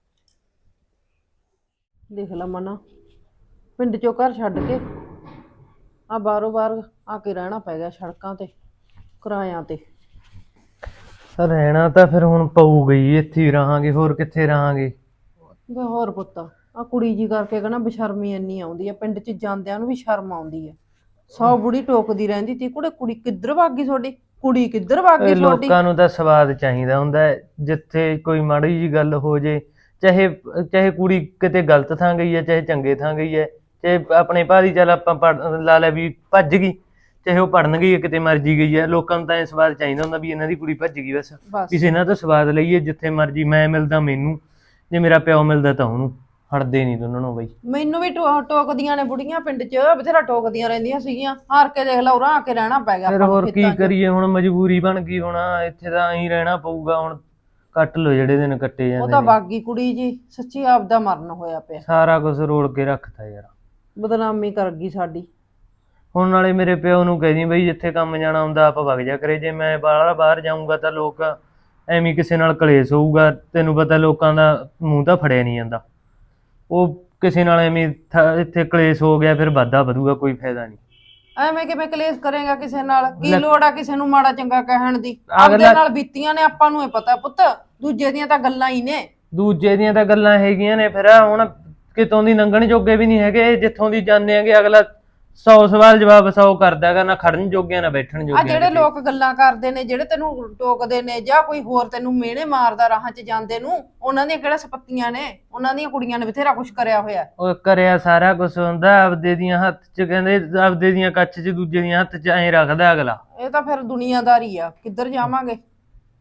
Speaker 4: ਦੇਖ ਲਾ ਮਨਾ, ਪਿੰਡ ਚੋਂ ਘਰ ਛੱਡ ਕੇ ਆ ਬਾਹਰੋਂ ਬਾਹਰ ਆ ਕੇ ਰਹਿਣਾ ਪੈ ਗਿਆ ਸੜਕਾਂ ਤੇ, ਕਿਰਾਇਆਂ ਤੇ।
Speaker 5: ਰਹਿਣਾ ਤਾਂ ਫਿਰ ਹੁਣ ਪਊਗਾ ਹੀ, ਇੱਥੇ ਹੀ ਰਹਾਂਗੇ, ਹੋਰ ਕਿੱਥੇ ਰਹਾਂਗੇ?
Speaker 4: ਵੇ ਹੋਰ ਪੁੱਤ, ਆ ਕੁੜੀ ਜੀ ਕਰਕੇ ਕਹਿੰਦਾ ਬਸ਼ਰਮੀ ਇੰਨੀ ਆਉਂਦੀ ਆ, ਪਿੰਡ 'ਚ ਜਾਂਦਿਆਂ ਨੂੰ ਵੀ ਸ਼ਰਮ ਆਉਂਦੀ ਆ। 100 ਬੁੜੀ ਟੋਕਦੀ ਰਹਿੰਦੀ ਤੀ, ਕੁੜੀ ਕਿੱਧਰ ਭੱਗ ਗਈ ਤੁਹਾਡੀ? ਕੁੜੀ ਕਿੱਧਰ ਭੱਗ ਗਈ ਤੁਹਾਡੀ?
Speaker 5: ਲੋਕਾਂ ਨੂੰ ਤਾਂ ਸਵਾਦ ਚਾਹੀਦਾ ਹੁੰਦਾ ਹੈ, ਜਿੱਥੇ ਕੋਈ ਮਾੜੀ ਜੀ ਗੱਲ ਹੋ ਜੇ, ਚਾਹੇ ਕੁੜੀ ਕਿਤੇ ਗਲਤ ਥਾਂ ਗਈ ਹੈ, ਚਾਹੇ ਚੰਗੇ ਥਾਂ ਗਈ ਹੈ, ਚਾਹੇ ਆਪਣੇ ਭਾਰੀ ਚੱਲ ਆਪਾਂ ਲਾ ਲਿਆ ਵੀ ਭੱਜ ਗਈ, ਚਾਹੇ ਉਹ ਪੜਨ ਗਈ ਹੈ, ਕਿਤੇ ਮਰਜੀ ਗਈ ਹੈ। ਲੋਕਾਂ ਨੂੰ ਤਾਂ ਇਹ ਸਵਾਦ ਚਾਹੀਦਾ ਹੁੰਦਾ ਵੀ ਇਹਨਾਂ ਦੀ ਕੁੜੀ ਭੱਜ ਗਈ, ਬਸ ਕਿਸੇ ਨਾਲ ਤਾਂ ਸਵਾਦ ਲਈਏ। ਜਿੱਥੇ ਮਰਜੀ ਮੈਂ ਮਿਲਦਾ ਮੈਨੂੰ, ਜੇ ਮੇਰਾ ਪਿਓ ਮਿਲਦਾ ਤਾਂ ਉਹਨੂੰ, ਹਟਦੇ ਨਹੀਂ ਦੋਨਾਂ ਨੂੰ ਬਈ।
Speaker 4: ਮੈਨੂੰ ਵੀ ਟੋਕਦੀਆਂ ਨੇ ਬੁੜੀਆਂ ਪਿੰਡ 'ਚ, ਬਥੇਰਾ ਟੋਕਦੀਆਂ ਰਹਿੰਦੀਆਂ ਸੀਗੀਆਂ। ਹਾਰ ਕੇ ਦੇਖ ਲਾ ਉਰਾਂ ਆ ਕੇ ਰਹਿਣਾ ਪੈ ਗਿਆ।
Speaker 5: ਫਿਰ ਹੋਰ ਕੀ ਕਰੀਏ, ਹੁਣ ਮਜਬੂਰੀ ਬਣ ਗਈ, ਹੁਣ ਇੱਥੇ ਤਾਂ ਐਂ ਰਹਿਣਾ ਪਊਗਾ। ਹੁਣ ਕੱਟ ਲੋ ਜਿਹੜੇ ਦਿਨ ਕੱਟੇ ਜਾਂਦੇ
Speaker 4: ਉਹ ਤਾਂ
Speaker 5: ਨੇ।
Speaker 4: ਬਾਗੀ ਕੁੜੀ ਜੀ ਸੱਚੀ ਆਪਦਾ ਮਰਨ ਹੋਇਆ ਪਿਆ,
Speaker 5: ਸਾਰਾ ਕੁਝ ਰੋਲ ਕੇ ਰੱਖਤਾ ਯਾਰ,
Speaker 4: ਬਦਨਾਮੀ ਕਰ ਗਈ ਸਾਡੀ।
Speaker 5: ਹੁਣ ਨਾਲੇ ਮੇਰੇ ਪਿਓ ਨੂੰ ਕਹਿ ਦੀ ਬਈ ਜਿੱਥੇ ਕੰਮ ਜਾਣਾ ਹੁੰਦਾ ਆਪ ਵਗ ਜਾ ਕਰੇ, ਜੇ ਮੈਂ ਬਾਹਰ ਜਾਊਂਗਾ ਤਾਂ ਲੋਕ ਐਵੇਂ ਕਿਸੇ ਨਾਲ ਕਲੇਸ਼ ਹੋਊਗਾ। ਤੈਨੂੰ ਪਤਾ ਲੋਕਾਂ ਦਾ ਮੂੰਹ ਤਾਂ ਫੜਿਆ ਨਹੀਂ ਜਾਂਦਾ, ਉਹ ਕਿਸੇ ਨਾਲ ਐਵੇਂ ਇੱਥੇ ਕਲੇਸ਼ ਹੋ ਗਿਆ ਫਿਰ ਵਾਧਾ ਵਧੂਗਾ, ਕੋਈ ਫਾਇਦਾ ਨਹੀਂ।
Speaker 4: ਐਵੇਂ ਕਿਵੇਂ ਕਲੇਸ਼ ਕਰੇਗਾ ਕਿਸੇ ਨਾਲ? ਕੀ ਲੋੜ ਆ ਕਿਸੇ ਨੂੰ ਮਾੜਾ ਚੰਗਾ ਕਹਿਣ ਦੀ? ਆਪਦੇ ਨਾਲ ਬੀਤੀਆਂ ਨੇ, ਆਪਾਂ ਨੂੰ ਇਹ ਪਤਾ ਪੁੱਤ, ਦੂਜੇ ਦੀਆਂ ਤਾਂ ਗੱਲਾਂ ਹੀ ਨੇ।
Speaker 5: ਦੂਜੇ ਦੀਆਂ ਤਾਂ ਗੱਲਾਂ ਹੈਗੀਆਂ ਨੇ, ਫਿਰ ਹੁਣ ਕਿਤੋਂ ਦੀ ਲੰਘਣ ਜੋਗੇ ਵੀ ਨਹੀਂ ਹੈਗੇ। ਜਿੱਥੋਂ ਦੀ ਜਾਂਦੇ ਹੈਗੇ ਅਗਲਾ 100 ਸਵਾਲ ਜਵਾਬ 100 ਕਰਦਾ ਹੈਗਾ, ਨਾ ਖੜਨ ਜੋਗਿਆ ਨਾ ਬੈਠਣ
Speaker 4: ਆ
Speaker 5: ਜੋਗਿਆ।
Speaker 4: ਜਿਹੜੇ ਲੋਕ ਗੱਲਾਂ ਕਰਦੇ ਨੇ, ਜਿਹੜੇ ਤੈਨੂੰ ਟੋਕਦੇ ਨੇ ਜਾਂ ਕੋਈ ਹੋਰ ਤੈਨੂੰ ਮਿਹਣੇ ਮਾਰਦਾ ਰਾਹਾਂ 'ਚ ਜਾਂਦੇ ਨੂੰ, ਉਹਨਾਂ ਦੀਆਂ ਕਿਹੜਾ ਸਪੱਤੀਆਂ ਨੇ? ਉਹਨਾਂ ਦੀਆਂ ਕੁੜੀਆਂ ਨੇ ਬਥੇਰਾ ਕੁਛ ਕਰਿਆ ਹੋਇਆ।
Speaker 5: ਉਹ ਕਰਿਆ ਸਾਰਾ ਕੁਛ ਹੁੰਦਾ, ਆਪਦੇ ਦੀਆਂ ਹੱਥ 'ਚ ਕਹਿੰਦੇ, ਆਪਦੇ ਦੀਆਂ ਕੱਚ 'ਚ ਦੂਜੇ ਦੀਆਂ ਹੱਥ 'ਚ ਐਂ ਰੱਖਦਾ ਅਗਲਾ।
Speaker 4: ਇਹ ਤਾਂ ਫਿਰ ਦੁਨੀਆਦਾਰੀ ਆ, ਕਿੱਧਰ ਜਾਵਾਂਗੇ?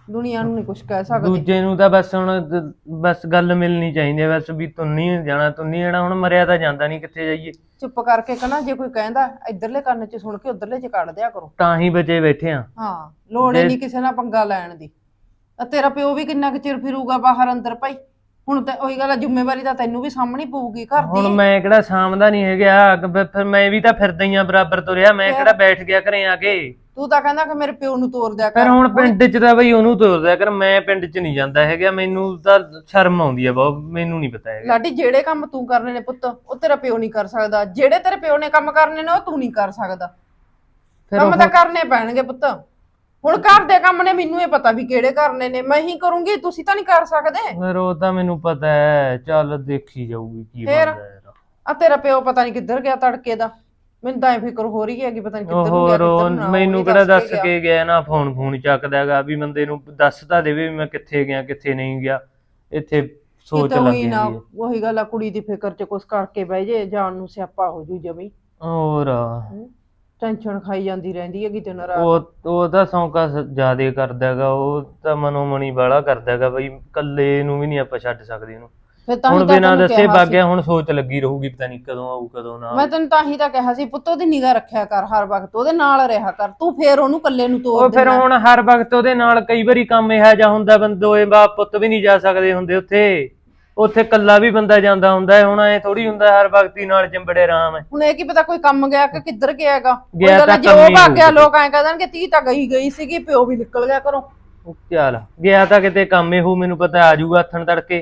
Speaker 4: ਦੁਨੀਆ ਨੂੰ ਨਹੀਂ ਕੁਝ ਕਹਿ ਸਕਦੇ।
Speaker 5: ਦੂਜੇ ਨੂੰ ਤਾਂ ਬਸ ਹੁਣ ਬਸ ਗੱਲ ਮਿਲਣੀ ਚਾਹੀਦੀ ਹੈ, ਬਸ ਵੀ ਤੂੰ ਨਹੀਂ ਜਾਣਾ, ਤੂੰ ਨਹੀਂ ਜਾਣਾ। ਹੁਣ ਮਰਿਆ ਤਾਂ ਜਾਂਦਾ ਨਹੀਂ, ਕਿੱਥੇ ਜਾਈਏ।
Speaker 4: ਚੁੱਪ ਕਰਕੇ ਕਹਣਾ, ਜੇ ਕੋਈ ਕਹਿੰਦਾ ਇਧਰਲੇ ਕੰਨ 'ਚ ਸੁਣ ਕੇ ਉਧਰਲੇ 'ਚ ਕੱਢ ਦਿਆ ਕਰੋ।
Speaker 5: ਤਾਂ ਹੀ ਬਚੇ ਬੈਠੇ ਆ।
Speaker 4: ਹਾਂ, ਲੋੜ ਹੀ ਨਹੀਂ ਕਿਸੇ ਨਾਲ ਪੰਗਾ ਲੈਣ ਦੀ। ਆ ਤੇਰਾ ਪਿਓ ਵੀ ਕਿੰਨਾ ਕੁ ਚਿਰ ਫਿਰੂਗਾ ਬਾਹਰ ਅੰਦਰ ਭਾਈ। ਹੁਣ ਤਾਂ ਉਹੀ ਗੱਲ ਆ, ਜ਼ਿੰਮੇਵਾਰੀ ਤਾਂ ਤੈਨੂੰ ਵੀ ਸਾਹਮਣੀ ਪਊਗੀ ਘਰ
Speaker 5: ਹੁਣ
Speaker 4: ਦੀ।
Speaker 5: ਮੈਂ ਕਿਹੜਾ ਸਾਂਭਦਾ ਨਹੀਂ ਹੈਗਾ, ਫਿਰ ਮੈਂ ਵੀ ਤਾਂ ਫਿਰਦਾ ਹੀ ਆ ਬਰਾਬਰ ਤੁਰਿਆ। ਮੈਂ ਕਿਹੜਾ ਬੈਠ ਗਿਆ ਘਰੇ ਆ ਕੇ।
Speaker 4: ਤੂੰ ਤਾਂ ਕਹਿੰਦਾ ਕਿ ਮੇਰੇ ਪਿਓ ਨੂੰ ਤੋਰ ਦਿਆ
Speaker 5: ਫਿਰ
Speaker 4: ਕਰ।
Speaker 5: ਹੁਣ ਪਿੰਡ 'ਚ ਤਾਂ ਬਈ ਉਹਨੂੰ ਤੋਰਦਾ ਕਰ, ਮੈਂ ਪਿੰਡ 'ਚ ਨਹੀਂ ਜਾਂਦਾ ਹੈਗਾ। ਮੈਨੂੰ ਤਾਂ ਸ਼ਰਮ ਆਉਂਦੀ ਆ ਬਹੁਤ, ਮੈਨੂੰ ਨਹੀਂ ਪਤਾ ਹੈਗਾ।
Speaker 4: ਲਾਡੀ, ਜਿਹੜੇ ਕੰਮ ਤੂੰ ਕਰਨੇ ਨੇ ਪੁੱਤ, ਉਹ ਤੇਰਾ ਪਿਓ ਨਹੀਂ ਕਰ ਸਕਦਾ। ਜਿਹੜੇ ਤੇਰੇ ਪਿਓ ਨੇ ਕੰਮ ਕਰਨੇ ਨੇ, ਉਹ ਤੂੰ ਨਹੀਂ ਕਰ ਸਕਦਾ।
Speaker 5: ਫਿਰ
Speaker 4: ਕੰਮ ਤਾਂ ਕਰਨੇ ਪੈਣਗੇ ਪੁੱਤ। ਹੁਣ ਘਰ ਦੇ ਕੰਮ ਨੇ ਮੈਨੂੰ ਇਹ ਪਤਾ ਵੀ ਕਿਹੜੇ ਕਰਨੇ ਨੇ, ਮੈਂ ਹੀ ਕਰੂੰਗੀ, ਤੁਸੀਂ ਤਾਂ ਨਹੀਂ ਕਰ ਸਕਦੇ।
Speaker 5: ਫਿਰ ਉਹ ਤਾਂ ਮੈਨੂੰ ਪਤਾ ਹੈ, ਚੱਲ ਦੇਖੀ ਜਾਊਗੀ ਕੀ
Speaker 4: ਫਿਰ?
Speaker 5: ਬਣਦਾ ਯਾਰ।
Speaker 4: ਆ ਤੇਰਾ ਪਿਓ ਪਤਾ ਨਹੀਂ ਕਿੱਧਰ ਗਿਆ ਤੜਕੇ ਦਾ। ਮੈਨੂੰ ਤਾਂ ਇਹ ਫਿਕਰ ਹੋ ਰਹੀ ਹੈ ਕਿ ਪਤਾ ਨਹੀਂ ਕਿੱਧਰ ਨੂੰ ਗਿਆ,
Speaker 5: ਹੋਰ
Speaker 4: ਕਿੱਧਰ ਨੂੰ ਨਾ।
Speaker 5: ਮੈਨੂੰ
Speaker 4: ਉਹ ਵੀ
Speaker 5: ਕਿਹੜਾ ਦੱਸ
Speaker 4: ਗਿਆ।
Speaker 5: ਕੇ ਗਿਆ ਨਾ, ਫੋਨ ਚੱਕਦਾ ਹੈਗਾ ਵੀ ਬੰਦੇ ਨੂੰ ਦੱਸ ਤਾਂ ਦੇਵੇ ਵੀ ਮੈਂ ਕਿੱਥੇ ਗਿਆ ਕਿੱਥੇ ਨਹੀਂ ਗਿਆ। ਇੱਥੇ ਸੋਚ
Speaker 4: ਕਿਤੇ
Speaker 5: ਲੱਗ
Speaker 4: ਉਹੀ ਨਾ,
Speaker 5: ਜਾਂਦੀ ਹੈ।
Speaker 4: ਉਹੀ ਗੱਲ ਆ, ਕੁੜੀ ਦੀ ਫਿਕਰ 'ਚ ਕੁਛ ਕਰਕੇ ਬਹਿ ਜੇ, ਜਾਣ ਨੂੰ ਸਿਆਪਾ ਹੋ ਜੂ ਜਮੀ।
Speaker 5: ਹੋਰ
Speaker 4: ਟੈਨਸ਼ਨ ਖਾਈ ਜਾਂਦੀ ਰਹਿੰਦੀ ਹੈਗੀ ਦਿਨ ਰਾਤ।
Speaker 5: ਉਹ ਤਾਂ ਸੌਂਕਾ ਜ਼ਿਆਦੇ ਕਰਦਾ ਹੈਗਾ, ਉਹ ਤਾਂ ਮਨੋ ਮਣੀ ਵਾਲਾ ਕਰਦਾ ਹੈਗਾ ਬਈ, ਕੱਲੇ ਨੂੰ ਵੀ ਨਹੀਂ ਆਪਾਂ ਛੱਡ ਸਕਦੇ ਉਹਨੂੰ।
Speaker 4: ਫਿਰ ਤਾਂ
Speaker 5: ਹੁਣ
Speaker 4: ਹੀ ਤਾਂ
Speaker 5: ਬਿਨਾਂ
Speaker 4: ਤੈਨੂੰ
Speaker 5: ਦੱਸੇ
Speaker 4: ਕਿਹਾ
Speaker 5: ਵਗ
Speaker 4: ਸੀ।
Speaker 5: ਗਿਆ, ਹੁਣ ਸੋਚ ਲੱਗੀ ਰਹੂਗੀ ਪਤਾ ਨਹੀਂ ਕਦੋਂ ਆਊ ਕਦੋਂ ਨਾ
Speaker 4: ਮੈਂ
Speaker 5: ਆਊ।
Speaker 4: ਤੈਨੂੰ ਤਾਂ ਹੀ ਤਾਂ ਕਿਹਾ ਸੀ ਪੁੱਤ, ਉਹਦੀ ਨਿਗਾਹ ਰੱਖਿਆ ਕਰ ਹਰ ਵਕਤ, ਉਹਦੇ ਨਾਲ ਰਿਹਾ ਕਰ ਤੂੰ। ਫੇਰ ਉਹਨੂੰ ਇਕੱਲੇ ਨੂੰ ਤੋਰ
Speaker 5: ਉਹ ਫਿਰ
Speaker 4: ਦੇਣਾ।
Speaker 5: ਹੁਣ ਹਰ ਵਕਤ ਉਹਦੇ ਨਾਲ ਕਈ ਵਾਰੀ ਕੰਮ ਇਹੋ ਜਿਹਾ ਹੁੰਦਾ, ਬੰਦੋਏ ਬਾਪ ਪੁੱਤ ਵੀ ਨਹੀਂ ਜਾ ਸਕਦੇ ਹੁੰਦੇ ਉੱਥੇ ਕੱਲਾ ਵੀ ਬੰਦਾ ਜਾਂਦਾ ਹੁੰਦਾ ਹੈ। ਹੁਣ ਐ ਥੋੜੀ ਹੁੰਦਾ ਹਰ ਵਕਤ ਹੀ ਨਾਲ ਚੰਬੜੇ ਆਰਾਮ ਹੈ।
Speaker 4: ਹੁਣ ਇਹ ਕੀ ਪਤਾ ਕੋਈ ਕੰਮ ਗਿਆ ਕਿ ਕਿੱਧਰ ਗਿਆਗਾ।
Speaker 5: ਗਿਆ ਤਾਂ
Speaker 4: ਜੇ
Speaker 5: ਕੰਮ
Speaker 4: ਉਹ
Speaker 5: ਹੀ
Speaker 4: ਭੱਗ ਗਿਆ,
Speaker 5: ਹੋਊ
Speaker 4: ਲੋਕ ਐਂ ਕਹਿ ਧੀ ਤਾਂ ਗਈ ਸੀਗੀ, ਪਿਓ ਵੀ ਨਿਕਲ ਗਿਆ ਘਰੋਂ।
Speaker 5: ਚੱਲ ਗਿਆ ਤਾਂ ਕਿਤੇ ਕੰਮ ਇਹੋ, ਮੈਨੂੰ ਪਤਾ ਆ ਜਾਊਗਾ ਹੱਥਣ ਤੜਕੇ।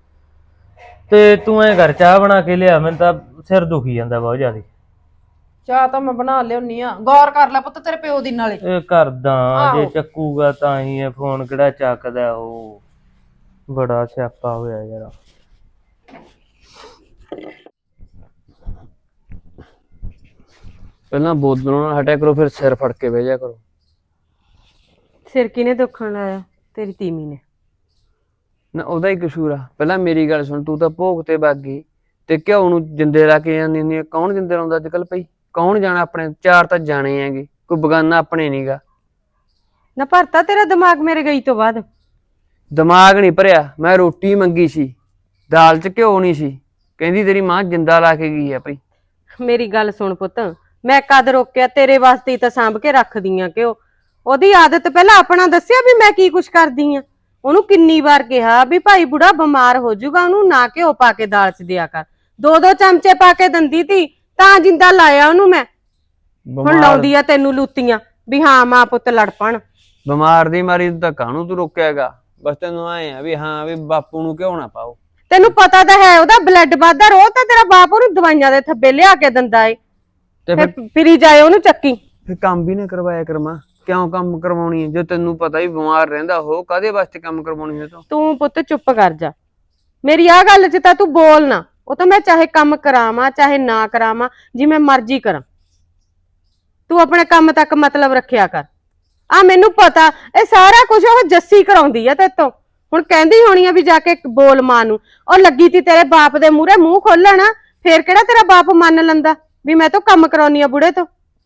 Speaker 5: ਤੇ ਤੂੰ ਐ ਘਰ ਚਾਹ ਬਣਾ ਕੇ ਲਿਆ, ਮੈਨੂੰ ਤਾਂ ਸਿਰ ਦੁਖੀ ਜਾਂਦਾ ਬਹੁਤ ਜ਼ਿਆਦਾ।
Speaker 4: ਚਾਹ ਤਾਂ ਮੈਂ ਬਣਾ ਲਿਆਉਣੀ ਆ, ਗੌਰ ਕਰ ਲੈ ਪੁੱਤ ਤੇਰੇ ਪਿਓ ਦੀ ਨਾਲੇ।
Speaker 5: ਇਹ ਕਰਦਾ, ਜੇ
Speaker 4: ਆਹੋ।
Speaker 5: ਚੱਕੂਗਾ ਤਾਂ ਹੀ ਹੈ ਫੋਨ, ਕਿਹੜਾ ਚੱਕਦਾ ਉਹ। ਬੜਾ ਸਿਆਪਾ ਹੋਇਆ ਯਾਰ।
Speaker 6: ਪਹਿਲਾਂ ਬੋਤਲੋਂ ਨਾਲ ਹਟਿਆ ਕਰੋ, ਫਿਰ ਸਿਰ ਫੜ ਕੇ ਬਹਿ ਜਾ ਕਰੋ।
Speaker 1: ਸਿਰ ਕਿਨੇ ਦੁਖਣ ਲਾਇਆ? ਤੇਰੀ ਤੀਮੀ ਨੇ।
Speaker 6: ਨਾ ਉਹਦਾ ਹੀ ਕਸੂਰ ਆ। ਪਹਿਲਾਂ ਮੇਰੀ ਗੱਲ ਸੁਣ, ਤੂੰ ਤਾਂ ਭੋਗ ਤੇ ਵਗ ਗਈ ਤੇ ਘਿਓ ਨੂੰ ਜਿੰਦੇ ਲਾ ਕੇ ਜਾਂਦੀ ਹੁੰਦੀ ਆ। ਕੌਣ ਜਿੰਦੇ ਲਾਉਂਦਾ ਅੱਜ ਕੱਲ ਪਈ? ਕੌਣ ਜਾਣਾ? ਆਪਣੇ ਚਾਰ ਤਾਂ ਜਾਣੇ ਹੈਗੇ, ਕੋਈ ਬਗਾਨਾ ਆਪਣੇ ਨੀਗਾ।
Speaker 1: ਨਾ ਭਰਤਾ ਤੇਰਾ ਦਿਮਾਗ ਮੇਰੇ ਗਈ ਤੋਂ ਬਾਅਦ?
Speaker 6: ਦਿਮਾਗ ਨਹੀਂ ਭਰਿਆ, ਮੈਂ ਰੋਟੀ ਮੰਗੀ ਸੀ, ਦਾਲ 'ਚ ਘਿਓ ਨਹੀਂ ਸੀ, ਕਹਿੰਦੀ ਤੇਰੀ ਮਾਂ ਜਿੰਦਾ ਲਾ ਕੇ ਗਈ ਆ ਭਾਈ।
Speaker 1: ਮੇਰੀ ਗੱਲ ਸੁਣ ਪੁੱਤ, ਮੈਂ ਕਦ ਰੋਕਿਆ? ਤੇਰੇ ਵਾਸਤੇ ਹੀ ਤਾਂ ਸਾਂਭ ਕੇ ਰੱਖਦੀ ਆ। ਕਿਉਂ? ਉਹਦੀ ਆਦਤ ਪਹਿਲਾਂ ਆਪਣਾ ਦੱਸਿਆ ਵੀ ਮੈਂ ਕੀ ਕੁਛ ਕਰਦੀ ਆ। ਉਹਨੂੰ ਕਿੰਨੀ ਵਾਰ ਕਿਹਾ ਵੀ ਭਾਈ ਬੁੜਾ ਬਿਮਾਰ ਹੋ ਜਾਊਗਾ, ਉਹਨੂੰ ਨਾ ਘਿਓ ਪਾ ਕੇ ਦਾਲ 'ਚ ਦਿਆ ਕਰ। 2-2 ਚਮਚੇ ਪਾ ਕੇ ਦਿੰਦੀ ਤੀ ਤਾਂ ਜਿੰਦਾ ਲਾਇਆ ਉਹਨੂੰ ਮੈਂ। ਹੁਣ ਲਾਉਂਦੀ ਆ ਤੈਨੂੰ ਲੂਤੀਆਂ ਵੀ ਹਾਂ ਮਾਂ ਪੁੱਤ ਲੜ ਪਣ।
Speaker 6: ਬਿਮਾਰ ਦੀ ਮਾਰੀ ਤਾਂ ਕਾਹਨੂੰ ਤੂੰ ਰੋਕਿਆਗਾ? ਬਸ ਤੈਨੂੰ ਆਏ ਆ ਵੀ ਹਾਂ ਵੀ ਬਾਪੂ ਨੂੰ ਘਿਓ ਨਾ ਪਾਓ।
Speaker 1: ਤੈਨੂੰ ਪਤਾ ਤਾਂ ਹੈ ਉਹਦਾ ਬਲੱਡ ਵੱਧਦਾ, ਰੋਜ਼ ਤਾਂ ਤੇਰਾ ਬਾਪ ਉਹਨੂੰ ਦਵਾਈਆਂ ਦੇ ਥੱਬੇ ਲਿਆ ਕੇ ਦਿੰਦਾ ਏ।
Speaker 6: ਤੇ
Speaker 1: ਫਿਰ ਫਿਰੀ ਜਾਏ ਉਹਨੂੰ ਚੱਕੀ।
Speaker 6: ਫਿਰ ਕੰਮ ਵੀ ਨਾ ਕਰਵਾਇਆ ਕਰ ਮਾਂ। ਕਿਉਂ ਕੰਮ ਕਰਵਾਉਣੀ ਹੈ? ਜੇ ਤੈਨੂੰ ਪਤਾ ਹੀ ਬਿਮਾਰ ਰਹਿੰਦਾ ਉਹ, ਕਾਹਦੇ ਵਾਸਤੇ ਕੰਮ ਕਰਵਾਉਣੀ ਹੈ?
Speaker 1: ਤੂੰ ਪੁੱਤ ਚੁੱਪ ਕਰ ਜਾ। ਮੇਰੀ ਆਹ ਗੱਲ 'ਚ ਤਾਂ ਤੂੰ ਬੋਲ ਨਾ। ਉਹ ਤਾਂ ਮੈਂ ਚਾਹੇ ਕੰਮ ਕਰਾਵਾਂ ਚਾਹੇ ਨਾ ਕਰਾਵਾਂ, ਜਿਵੇਂ ਮਰਜ਼ੀ ਕਰਾਂ, ਤੂੰ ਆਪਣੇ ਕੰਮ ਤੱਕ ਮਤਲਬ ਰੱਖਿਆ ਕਰ। ਆ ਮੈਨੂੰ ਪਤਾ ਇਹ ਸਾਰਾ ਕੁਝ ਉਹ ਜੱਸੀ ਕਰਾਉਂਦੀ ਆ ਤੇਤੋਂ। ਹੁਣ ਕਹਿੰਦੀ ਹੋਣੀ ਆ ਵੀ ਜਾ ਕੇ ਬੋਲ ਮਾਂ ਨੂੰ। ਉਹ ਲੱਗੀ ਤੀ ਤੇਰੇ ਬਾਪ ਦੇ ਮੂਹਰੇ ਮੂੰਹ ਖੋਲਣ, ਫੇਰ ਕਿਹੜਾ ਤੇਰਾ ਬਾਪ ਮੰਨ ਲੈਂਦਾ ਵੀ ਮੈਂ ਤਾਂ ਕੰਮ ਕਰਾਉਣੀ ਆ ਬੁੜੇ ਤੋਂ।